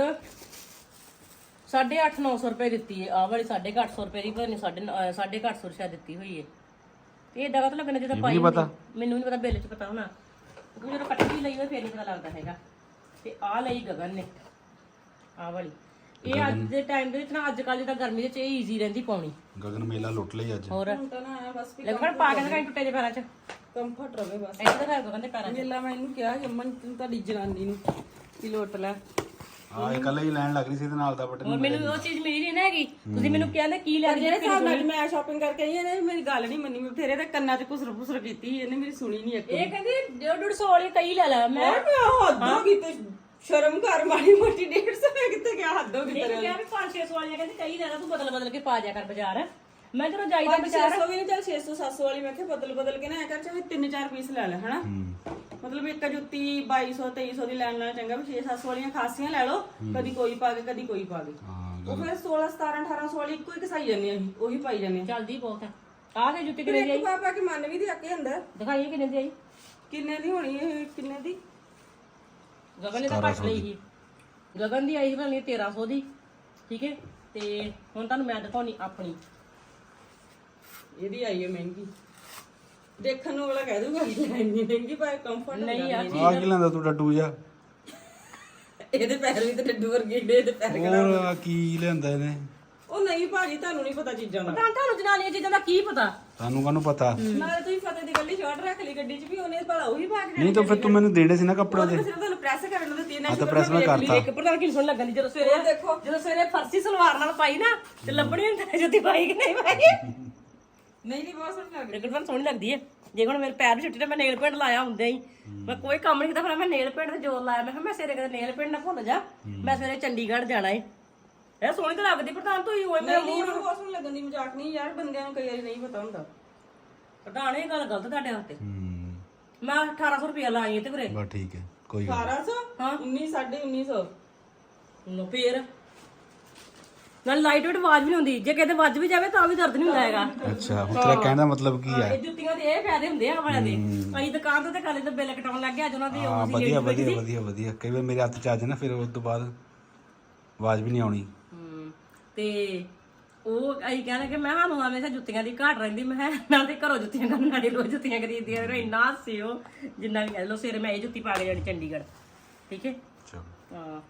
Speaker 1: 850-900 ਰੁਪਏ ਦਿੱਤੀ ਹੈ। ਆਹ ਵਾਲੀ 850 ਰੁਪਏ ਦੀ, ਪਰ 850 ਰੁਪਏ ਦਿੱਤੀ ਹੋਈ ਹੈ। ਤੇ ਇਹ ਦਗਾ ਤਾਂ ਲੱਗਣਾ ਜਦੋਂ ਪਾਈ ਮੈਨੂੰ ਨਹੀਂ ਪਤਾ, ਬਿੱਲ 'ਚ ਪਤਾ ਹੋਣਾ ਕਿਉਂਕਿ ਜਦੋਂ ਕੱਟੀ ਲਈ ਹੋਈ ਫਿਰ ਨਹੀਂ ਪਤਾ ਲੱਗਦਾ ਹੈਗਾ। ਤੇ ਆਹ ਲਈ ਗਗਨ ਨੇ ਆਹ ਵਾਲੀ। ਇਹ ਅੱਜ ਦੇ ਟਾਈਮ ਦੇ ਵਿੱਚ ਨਾ, ਅੱਜ ਕੱਲ ਜਿੱਦਾਂ ਗਰਮੀ ਦੇ ਵਿੱਚ ਇਹ ਈਜ਼ੀ ਰਹਿੰਦੀ ਪਾਉਣੀ।
Speaker 3: ਗਗਨ ਮੇਲਾ ਲੁੱਟ ਲਈ ਅੱਜ।
Speaker 1: ਹੋਰ
Speaker 2: ਤਾਂ ਨਾ ਬਸ ਵੀ
Speaker 1: ਲੱਗਣ ਪਾ ਕੇ ਦਿਖਾਈ ਟੁੱਟੇ ਦੇ ਪੈਰਾਂ 'ਚ
Speaker 2: ਕੰਫਰਟ ਰਵੇ ਬਸ।
Speaker 1: ਇੱਥੇ ਦਿਖਾਇਆ ਗਗਨ ਦੇ ਪੈਰਾਂ 'ਚ।
Speaker 2: ਮੇਲਾ ਮੈਂ ਇਹਨੂੰ ਕਿਹਾ ਕਿ ਅਮਨ ਤੂੰ ਤੁਹਾਡੀ ਜਨਾਨੀ ਨੂੰ ਕੀ ਲੋਟ ਲੈ।
Speaker 3: ਹਾਂ, ਇਹ ਕੱਲ ਹੀ ਲੈਣ ਲੱਗ ਰਹੀ ਸੀ ਇਹਦੇ ਨਾਲ ਦਾ ਬਟਨ।
Speaker 1: ਹੋਰ ਮੈਨੂੰ ਉਹ ਚੀਜ਼ ਮਿਲੀ ਨਹੀਂ ਨਾ ਹੈਗੀ। ਤੁਸੀਂ ਮੈਨੂੰ ਕਹਿੰਦੇ ਕੀ ਲੈ
Speaker 2: ਜਿਹੜੇ ਹਿਸਾਬ ਨਾਲ ਮੈਂ ਸ਼ਾਪਿੰਗ ਕਰਕੇ ਆਈ ਇਹਨੇ ਮੇਰੀ ਗੱਲ ਨਹੀਂ ਮੰਨੀ। ਮੈਂ ਬਥੇਰੇ ਤੇ ਕੰਨਾਂ 'ਚ ਘੁਸਰ ਕੀਤੀ, ਇਹਨੇ ਮੇਰੀ ਸੁਣੀ ਨਹੀਂ ਇੱਕ।
Speaker 1: ਇਹ ਕਹਿੰਦੀ 150 ਵਾਲੀ ਕਈ ਲੈ ਲੈ। ਮੈਂ
Speaker 2: ਹੱਦੋਂ ਕਿਤੇ ਸ਼ਰਮ ਕਰ ਮਾੜੀ ਮੋਟੀ 150 ਮੈਂ ਕਿੱਥੇ ਗਿਆ ਹੱਦੋਂ ਕਿਤੇ।
Speaker 1: ਇਹ ਕਿਹਾ ਵੀ 500-600 ਵਾਲੀਆਂ ਕਹਿੰਦੀ ਕਈ ਲੈ ਲੈ, ਤੂੰ ਬਦਲ ਕੇ ਪਾ ਜਾ ਕਰ ਬਾਜ਼ਾਰ। ਮੈਂ ਜਦੋਂ ਜਾਈਦਾ ਬਾਜ਼ਾਰ
Speaker 2: 600 ਵੀ ਨਹੀਂ, ਚੱਲ 600-700 ਵਾਲੀ ਮੈਂ ਕਿਹਾ ਬਦਲ ਕੇ ਨਾ ਐ ਕਰ, ਚਾਹੇ 3-4 ਪੀਸ ਲੈ ਲੈ ਹਨਾ। ਮਤਲਬ ਇੱਕ ਜੁੱਤੀ 2200-2300 ਦੀ ਲੈਣ ਨਾਲ ਚੰਗਾ ਵੀ 600-700 ਵਾਲੀਆਂ ਖਾਸੀਆਂ ਲੈ ਲਓ, ਕਦੀ ਕੋਈ ਪਾ ਕੇ ਕਦੀ ਕੋਈ ਪਾ ਕੇ। ਉਹ ਫਿਰ 16-17-1800 ਵਾਲੀ ਇੱਕੋ ਹੀ ਕਸਾਈ ਜਾਂਦੇ ਅਸੀਂ, ਉਹੀ ਪਾਈ ਜਾਂਦੇ।
Speaker 1: ਚੱਲਦੀ ਬਹੁਤ ਹੈ। ਆਹ ਤੇ ਜੁੱਤੀ ਕਿੰਨੇ ਦੀ ਆਈ?
Speaker 2: ਪਾ ਕੇ ਮਨ ਵੀ ਦੀ ਅੱਕੇ ਹੁੰਦਾ।
Speaker 1: ਦਿਖਾਈਏ ਕਿੰਨੇ ਦੀ ਆਈ?
Speaker 2: ਕਿੰਨੇ ਦੀ ਹੋਣੀ ਇਹ? ਕਿੰਨੇ ਦੀ?
Speaker 1: ਗਗਨ ਨੇ ਤਾਂ ਘੱਟ ਲਈ ਸੀ। ਗਗਨ ਦੀ ਆਈ ਬਣੀ 1300 ਦੀ। ਠੀਕ ਹੈ, ਤੇ ਹੁਣ ਤੁਹਾਨੂੰ ਮੈਂ ਦਿਖਾਉਣੀ ਆਪਣੀ।
Speaker 2: ਇਹਦੀ ਆਈ ਹੈ ਮਹਿੰਗੀ। ਦੇਖਣ ਨੂੰ ਵਾਲਾ ਕਹਿ ਦੂਗਾ ਇੰਨੀ ਮਹਿੰਗੀ, ਪਰ ਕੰਫਰਟ
Speaker 1: ਨਹੀਂ ਯਾਰ।
Speaker 3: ਆ ਕੀ ਲੈਂਦਾ ਤੂੰ ਡੱਡੂ ਜਾ?
Speaker 2: ਇਹਦੇ ਪੈਰ ਵੀ ਤੇ ਡੱਡੂ ਵਰਗੇ ਏਡੇ, ਇਹਦੇ ਪੈਰ
Speaker 3: ਹੋਰ ਕੀ ਲਿਆਂਦਾ ਇਹਨੇ?
Speaker 2: ਉਹ ਨਹੀਂ ਭਾਜੀ ਤੁਹਾਨੂੰ ਨਹੀਂ ਪਤਾ ਚੀਜ਼ਾਂ ਦਾ
Speaker 1: ਤੁਹਾਨੂੰ ਜਨਾਨੀਆਂ ਚੀਜ਼ਾਂ ਦਾ ਕੀ ਪਤਾ?
Speaker 3: ਤੁਹਾਨੂੰ ਕਾਹਨੂੰ ਪਤਾ?
Speaker 2: ਨਾਲੇ ਤੁਸੀਂ ਫਤਿਹ ਦੀ ਗੱਡੀ ਸ਼ਾਰਟ ਰੱਖ ਲਈ ਗੱਡੀ 'ਚ ਵੀ ਉਹਨੇ ਭਲਾ ਉਹੀ ਪਾ ਕੇ
Speaker 3: ਨਹੀਂ ਤਾਂ ਫਿਰ ਤੂੰ ਮੈਨੂੰ ਦੇਣੇ ਸੀ ਨਾ ਕੱਪੜੇ
Speaker 2: ਉਹਦੇ
Speaker 3: ਦੇ।
Speaker 2: ਸਿਰਫ ਤੁਹਾਨੂੰ ਪ੍ਰੈਸ ਕਰਨ ਨੂੰ ਦਿੱਤੀ ਨਾ
Speaker 3: ਹਾਂ ਤਾਂ ਪ੍ਰੈਸ ਮੈਂ ਕਰਤਾ।
Speaker 1: ਇੱਕ ਪ੍ਰਧਾਨ ਕੀ ਸੁਣ ਲੱਗਣ ਦੀ ਜਦੋਂ ਸਵੇਰੇ
Speaker 2: ਦੇਖੋ।
Speaker 1: ਜਦੋਂ ਸਵੇਰੇ ਫਰਸੀ ਸਲਵਾਰ ਨਾਲ ਪਾਈ ਨਾ ਤੇ ਲੱਭਣੀ ਹੁੰਦੀ ਜੁੱਤੀ ਪਾਈ ਕਿ ਨਹੀਂ ਪਾਈ।
Speaker 2: ਨਹੀਂ ਬਹੁਤ ਸੋਹਣੀ ਲੱਗ ਰਹੀ।
Speaker 1: ਲੇਕਿਨ ਸੋਹਣੀ ਲੱਗਦੀ ਹੈ। ਜੇ ਹੁਣ ਮੇਰੇ ਪੈਰ ਵੀ ਛੁੱਟੀ ਤੇ ਮੈਂ ਨੇਲ ਪੇਂਟ ਲਾਇਆ ਹੁੰਦੇ ਹੀ ਮੈਂ ਕੋਈ ਕੰਮ ਨਹੀਂ ਕੀਤਾ, ਫਿਰ ਮੈਂ ਨੇਲ ਪੇਂਟ ਤੇ ਜ਼ੋਰ ਲਾਇਆ। ਮੈਂ ਕਿਹਾ ਮੈਂ ਸਵੇਰੇ ਕਦੇ ਨੇਲ ਪੇਂਟ ਨਾ ਭੁੱਲ ਜਾ, ਮੈਂ ਸਵੇਰੇ ਚੰਡੀਗੜ੍ਹ ਜਾਣਾ ਏ। ਇਹ ਸੋਹਣੀ ਤਾਂ ਲੱਗਦੀ ਪ੍ਰਧਾਨ, ਤੂੰ ਹੀ ਹੋਏ ਮੇਰਾ
Speaker 2: ਨਹੀਂ ਮੈਨੂੰ ਬਹੁਤ ਸੋਹਣੀ ਲੱਗਣ ਦੀ, ਮਜ਼ਾਕ ਨਹੀਂ ਯਾਰ, ਬੰਦਿਆਂ ਨੂੰ ਕਈ ਵਾਰੀ ਨਹੀਂ ਪਤਾ ਹੁੰਦਾ।
Speaker 1: ਪ੍ਰਧਾਨ ਇਹ ਗੱਲ ਗਲਤ ਤੁਹਾਡੇ ਵਾਸਤੇ।
Speaker 3: ਹੂੰ
Speaker 1: ਮੈਂ 1800 ਰੁਪਇਆ ਲਾਈ ਤੇ ਵੀਰੇ।
Speaker 3: ਬਸ ਠੀਕ ਹੈ, ਕੋਈ ਗੱਲ
Speaker 2: 1800
Speaker 1: ਹਾਂ
Speaker 2: 1900
Speaker 1: ਲੋ ਫੇਰ ਨਾਲ ਲਾਈਟ ਵੇਟ ਆਵਾਜ਼ ਵੀ ਨਹੀਂ ਹੁੰਦੀ, ਜੇ ਕਿਤੇ ਵੱਜ ਵੀ ਜਾਵੇ ਤਾਂ ਵੀ ਦਰਦ ਨਹੀਂ ਹੁੰਦਾ ਹੈਗਾ।
Speaker 3: ਨਹੀਂ। ਅੱਛਾ ਹੁਣ ਤੇਰਾ ਕਹਿਣ ਦਾ ਮਤਲਬ ਕੀ ਹੈ?
Speaker 1: ਇਹ ਜੁੱਤੀਆਂ ਦੇ ਇਹ ਫਾਇਦੇ ਹੁੰਦੇ ਆ ਵਾਲਿਆਂ ਦੇ। ਅਸੀਂ ਦੁਕਾਨ ਤੇ ਕਾਲੇ ਤੇ ਬਿੱਲ ਕਟਾਉਣ ਲੱਗ ਗਏ, ਅੱਜ ਉਹਨਾਂ ਦੀ
Speaker 3: ਹਾਂ ਵਧੀਆ ਵਧੀਆ ਵਧੀਆ ਵਧੀਆ। ਕਈ ਵਾਰ ਮੇਰੇ ਹੱਥ ਚ ਆ ਜਾਏ ਨਾ, ਫਿਰ ਉਸ ਤੋਂ ਬਾਅਦ ਆਵਾਜ਼ ਵੀ ਨਹੀਂ ਆਉਣੀ।
Speaker 1: ਤੇ ਉਹ ਅਸੀਂ ਕਹਿੰਦੇ ਕਿ ਮੈਂ ਸਾਨੂੰ ਹਮੇਸ਼ਾ ਜੁੱਤੀਆਂ ਦੀ ਘਾਟ ਰਹਿੰਦੀ। ਮੈਂ ਨਾਲ ਤੇ ਘਰੋਂ ਜੁੱਤੀਆਂ ਕਰਨ ਨਾਲੇ ਰੋਜ਼ ਜੁੱਤੀਆਂ ਖਰੀਦਦੀਆਂ ਫਿਰ ਇੰਨਾ ਹੱਸਿਓ ਜਿੰਨਾ ਵੀ ਕਹਿ ਲਓ। ਸਵੇਰੇ ਮੈਂ ਇਹ ਜੁੱਤੀ ਪਾ ਕੇ ਜਾਣੀ ਚੰਡੀਗੜ੍ਹ, ਠੀਕ ਹੈ।
Speaker 3: ਚਲੋ
Speaker 1: ਹਾਂ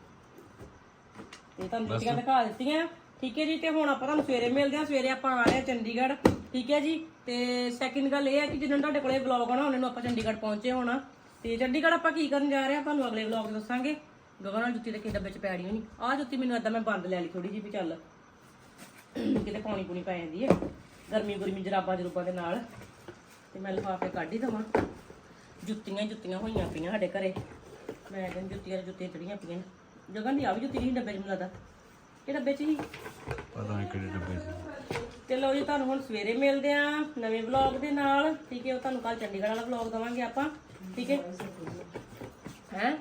Speaker 1: ਤੇ ਤੁਹਾਨੂੰ ਜੁੱਤੀਆਂ ਦਿਖਾ ਦਿੱਤੀਆਂ, ਠੀਕ ਹੈ ਜੀ। ਤੇ ਹੁਣ ਆਪਾਂ ਤੁਹਾਨੂੰ ਸਵੇਰੇ ਮਿਲਦੇ ਹਾਂ। ਸਵੇਰੇ ਆਪਾਂ ਆ ਰਹੇ ਹਾਂ ਚੰਡੀਗੜ੍ਹ, ਠੀਕ ਹੈ ਜੀ। ਤੇ ਸੈਕਿੰਡ ਗੱਲ ਇਹ ਹੈ ਕਿ ਜਦੋਂ ਤੁਹਾਡੇ ਕੋਲੇ ਵਲੌਗ ਆਉਣਾ ਉਹਨਾਂ ਨੂੰ ਆਪਾਂ ਚੰਡੀਗੜ੍ਹ ਪਹੁੰਚੇ ਹੋਣਾ। ਤੇ ਚੰਡੀਗੜ੍ਹ ਆਪਾਂ ਕੀ ਕਰਨ ਜਾ ਰਹੇ ਹਾਂ ਤੁਹਾਨੂੰ ਅਗਲੇ ਵਲੌਗ 'ਚ ਦੱਸਾਂਗੇ। ਗਗਨ ਨਾਲ ਜੁੱਤੀ ਦੇ ਕਿੱਦਾਂ ਵਿੱਚ ਪੈਣੀ ਹੋਣੀ। ਆਹ ਜੁੱਤੀ ਮੈਨੂੰ ਏਦਾਂ ਮੈਂ ਬੰਦ ਲੈ ਲਈ ਥੋੜੀ ਜਿਹੀ ਵੀ ਚੱਲ ਕਿਤੇ ਪਾਣੀ ਪੂਣੀ ਪੈ ਜਾਂਦੀ ਹੈ ਗਰਮੀ ਗੁਰਮੀ ਜਰਾਬਾਂ ਜਰੂਬਾਂ ਦੇ ਨਾਲ। ਤੇ ਮੈਂ ਲਿਫਾਫੇ ਕੱਢ ਹੀ ਦੇਵਾਂ। ਜੁੱਤੀਆਂ ਹੀ ਜੁੱਤੀਆਂ ਹੋਈਆਂ ਪਈਆਂ ਸਾਡੇ ਘਰੇ। ਮੈਂ ਕਹਿੰਦੀ ਜੁੱਤੀਆਂ ਚੜੀਆਂ ਪਈਆਂ। ਜਗਨ ਦੀ ਆ ਵੀ ਜੁੱਤੀ ਨਹੀਂ ਡੱਬੇ 'ਚ ਮੈਨੂੰ ਲੱਗਦਾ, ਇਹ ਡੱਬੇ 'ਚ ਹੀ
Speaker 3: ਪਤਾ ਨਹੀਂ ਕਿਹੜੇ ਡੱਬੇ ਚ।
Speaker 1: ਚਲੋ ਜੀ ਤੁਹਾਨੂੰ ਹੁਣ ਸਵੇਰੇ ਮਿਲਦੇ ਆ ਨਵੇਂ ਵਲੌਗ ਦੇ ਨਾਲ, ਠੀਕ ਹੈ। ਉਹ ਤੁਹਾਨੂੰ ਕੱਲ ਚੰਡੀਗੜ੍ਹ ਵਾਲਾ ਵਲੌਗ ਦਵਾਂਗੇ ਆਪਾਂ, ਠੀਕ ਹੈ। ਹੈ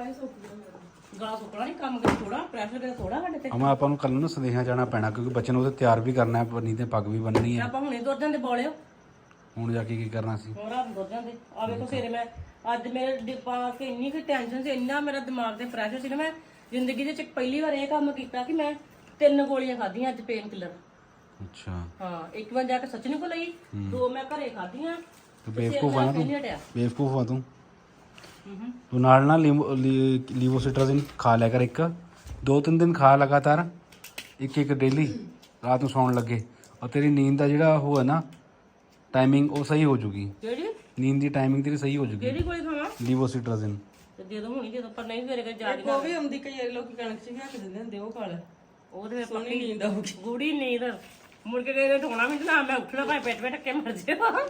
Speaker 1: ਗਲਾ ਸੁੱਕਣਾ ਨਹੀਂ, ਕੰਮ ਕਰ ਥੋੜਾ ਪ੍ਰੈਸ਼ਰ ਕਰ ਥੋੜਾ ਸਾਡੇ ਤੇ।
Speaker 3: ਅਮਾ ਆਪਾਂ ਨੂੰ ਕੱਲ ਨੂੰ ਸੰਦੇਸ਼ਾਂ ਜਾਣਾ ਪੈਣਾ, ਕਿਉਂਕਿ ਬੱਚੇ ਨੂੰ ਉਹਦੇ ਤਿਆਰ ਵੀ ਕਰਨਾ ਹੈ, ਨਹੀਂ ਤੇ ਪੱਗ ਵੀ ਬੰਨਣੀ ਹੈ।
Speaker 1: ਆਪਾਂ ਹੁਣੇ ਦੁੱਧ ਜਾਂਦੇ ਬੋਲਿਓ,
Speaker 3: ਹੁਣ ਜਾ ਕੇ ਕੀ ਕਰਨਾ ਸੀ?
Speaker 1: ਹੁਣ ਰਾਤ ਨੂੰ ਦੁੱਧ ਜਾਂਦੇ। ਆ ਵੇਖੋ ਸਵੇਰੇ ਮੈਂ ਅੱਜ ਮੇਰੇ ਡਿੱਪਾ ਕੇ ਇੰਨੀ ਕੁ ਟੈਨਸ਼ਨ ਸੀ, ਇੰਨਾ ਮੇਰਾ ਦਿਮਾਗ ਤੇ ਪ੍ਰੈਸ਼ਰ ਸੀ ਨਾ, ਮੈਂ ਜ਼ਿੰਦਗੀ ਦੇ ਵਿੱਚ ਪਹਿਲੀ ਵਾਰ ਇਹ ਕੰਮ ਕੀਤਾ ਕਿ ਮੈਂ 3 ਗੋਲੀਆਂ ਖਾਧੀਆਂ ਅੱਜ ਪੇਨ ਕਿਲਰ।
Speaker 3: ਅੱਛਾ
Speaker 1: ਹਾਂ ਇੱਕ ਵਾਰ ਜਾ ਕੇ ਸੱਚੀ ਕੋ ਲਈ, 2 ਮੈਂ ਘਰੇ ਖਾਧੀਆਂ।
Speaker 3: ਤੂੰ ਬੇਵਕੂਫ ਆ ਨਾ ਤੂੰ,
Speaker 1: ਨਹੀਂ ਹਟਿਆ।
Speaker 3: ਬੇਵਕੂਫ ਆ ਤੂੰ ਨਾਲ ਨਾ ਲੀਵੋਸਿਟਰਾਜ਼ਿਨ ਖਾ ਲਿਆ ਕਰ। 2-3 ਦਿਨ ਖਾ ਲਗਾਤਾਰ, ਇੱਕ ਡੇਲੀ ਰਾਤ ਨੂੰ ਸੌਣ ਲੱਗੇ, ਔਰ ਤੇਰੀ ਨੀਂਦ ਦਾ ਜਿਹੜਾ ਉਹ ਹੈ ਨਾ ਟਾਈਮਿੰਗ ਉਹ ਸਹੀ ਹੋ ਜੂਗੀ।
Speaker 1: ਕਿਹੜੀ
Speaker 3: ਨੀਂਦ ਦੀ ਟਾਈਮਿੰਗ ਤੇਰੀ ਸਹੀ ਹੋ ਜੂਗੀ।
Speaker 1: ਕਿਹੜੀ ਗੋਲੀ ਖਾਵਾਂ?
Speaker 3: ਲੀਵੋਸਿਟਰਾਜ਼ਿਨ
Speaker 1: ਤੇ ਦੇ ਦੋ ਹੁਣੀ, ਜਦੋਂ ਪਰ ਨਹੀਂ ਸਵੇਰੇ ਕੇ ਜਾ
Speaker 2: ਉਹ ਵੀ ਆਉਂਦੀ ਕਈ ਵਾਰੀ ਲੋਕੀ ਕਣਕ 'ਚ ਲਿਆ ਕੇ ਦਿੰਦੇ ਹੁੰਦੇ, ਉਹ ਖਾ ਲੈ।
Speaker 1: ਉਹਦੇ
Speaker 2: ਸੋਹਣੀ ਨੀਂਦ ਆਊਗੀ।
Speaker 1: ਗੂੜੀ ਨੀਂਦ ਮੁੜ ਕੇ ਕਹਿੰਦੇ ਠੋਣਾ ਵੀ ਨਾ, ਮੈਂ ਉੱਠਣਾ ਭਾਵੇਂ ਪੇਟ ਪੇਟ ਕੇ ਮਰ ਜਾਵਾਂ।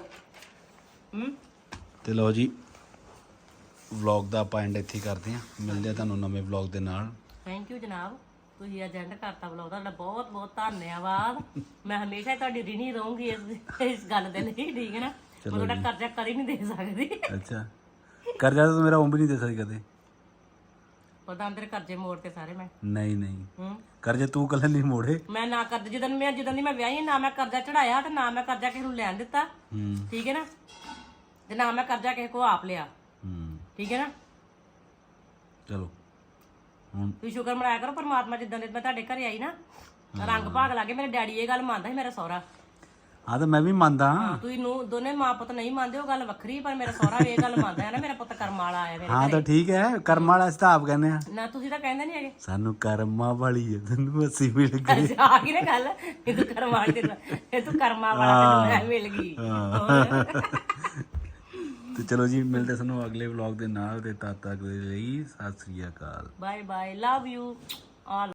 Speaker 3: ਤੇ ਲਓ ਜੀ ਵਲੌਗ ਦਾ ਆਪਾਂ ਐਂਡ ਇੱਥੇ ਕਰਦੇ ਹਾਂ। ਮਿਲਦੇ ਆ ਤੁਹਾਨੂੰ ਨਵੇਂ ਵਲੌਗ ਦੇ ਨਾਲ।
Speaker 1: ਥੈਂਕ ਯੂ ਜਨਾਬ, ਤੁਸੀਂ ਅੱਜ ਐਂਡ ਕਰਤਾ ਵਲੌਗ, ਤੁਹਾਡਾ ਬਹੁਤ ਬਹੁਤ ਧੰਨਵਾਦ। ਮੈਂ ਹਮੇਸ਼ਾ ਹੀ ਤੁਹਾਡੀ ਰਿਣੀ ਰਹੂੰਗੀ ਇਸ ਗੱਲ ਦੇ ਲਈ, ਠੀਕ ਹੈ ਨਾ। ਮੈਂ ਤੁਹਾਡਾ ਕਰਜ਼ਾ ਕਦੀ ਨਹੀਂ ਦੇ ਸਕਦੀ।
Speaker 3: ਅੱਛਾ ਕਰਜ਼ਾ ਤਾਂ ਮੇਰਾ ਵੀ ਨਹੀਂ ਦੇ ਸਕਦੀ ਕਦੇ।
Speaker 1: ਪਤਾ ਤੇਰੇ ਕਰਜ਼ੇ ਮੋੜਤੇ ਸਾਰੇ ਮੈਂ।
Speaker 3: ਨਹੀਂ ਕਰਜ਼ੇ ਤੂੰ ਕੱਲੇ ਨਹੀਂ ਮੋੜੇ।
Speaker 1: ਮੈਂ ਨਾ ਕਰਜ਼ਾ ਜਦੋਂ ਦੀ ਮੈਂ ਵਿਆਹੀ ਨਾ ਮੈਂ ਕਰਜ਼ਾ ਚੜਾਇਆ ਤੇ ਨਾ ਮੈਂ ਕਰਜ਼ਾ ਕਿਸੇ ਨੂੰ ਲੈਣ ਦਿੱਤਾ, ਠੀਕ ਹੈ ਨਾ। ਤੇ ਨਾ ਮੈਂ ਕਰਜ਼ਾ ਕਿਸੇ ਕੋ ਆਪ ਲਿਆ, ਠੀਕ ਹੈ ਨਾ।
Speaker 3: ਚਲੋ ਹੁਣ
Speaker 1: ਤੁਸੀਂ ਸ਼ੁਕਰ ਮਨਾਇਆ ਕਰੋ ਪਰਮਾਤਮਾ, ਜਿੱਦਾਂ ਦੇ ਮੈਂ ਤੁਹਾਡੇ ਘਰੇ ਆਈ ਨਾ ਰੰਗ ਭਾਗ ਲੱਗੇ। ਮੇਰੇ ਡੈਡੀ ਇਹ ਗੱਲ ਮੰਨਦਾ ਸੀ, ਮੇਰਾ ਸਹੁਰਾ।
Speaker 3: ਹਾਂ ਤਾਂ ਮੈਂ ਵੀ ਮੰਨਦਾ।
Speaker 1: ਤੁਸੀਂ ਨੂੰ ਦੋਨੇ ਮਾਂ ਪੁੱਤ ਨਹੀਂ ਮੰਨਦੇ, ਉਹ ਗੱਲ ਵੱਖਰੀ, ਪਰ ਮੇਰਾ ਸਹੁਰਾ ਵੀ ਇਹ ਗੱਲ ਮੰਨਦਾ ਹੈ ਨਾ, ਮੇਰਾ ਪੁੱਤ ਕਰਮ ਵਾਲਾ ਆਇਆ ਮੇਰੇ
Speaker 3: ਹਾਂ ਤਾਂ ਠੀਕ ਹੈ, ਕਰਮ ਵਾਲਾ ਹਿਸਾਬ ਕਹਿੰਦੇ ਆ
Speaker 1: ਨਾ। ਤੁਸੀਂ ਤਾਂ ਕਹਿੰਦੇ ਨਹੀਂ ਹੈਗੇ
Speaker 3: ਸਾਨੂੰ ਕਰਮਾਂ ਵਾਲੀ ਹੈ, ਤੈਨੂੰ ਅਸੀਂ ਮਿਲ ਗਏ।
Speaker 1: ਅੱਛਾ ਆ ਗਈ ਨਾ ਗੱਲ, ਇਹ ਤੂੰ ਕਰਮ ਵਾਲੀ ਇਹ ਤੂੰ ਕਰਮਾ ਵਾਲਾ ਤੈਨੂੰ ਮਿਲ ਗਈ।
Speaker 3: ਤੇ ਚਲੋ ਜੀ ਮਿਲਦੇ ਸਾਨੂੰ ਅਗਲੇ ਵਲੌਗ ਦੇ ਨਾਲ, ਤੇ ਤਦ ਤੱਕ ਦੇ ਲਈ ਸਤਿ ਸ੍ਰੀ ਅਕਾਲ।
Speaker 1: Bye bye, love you all.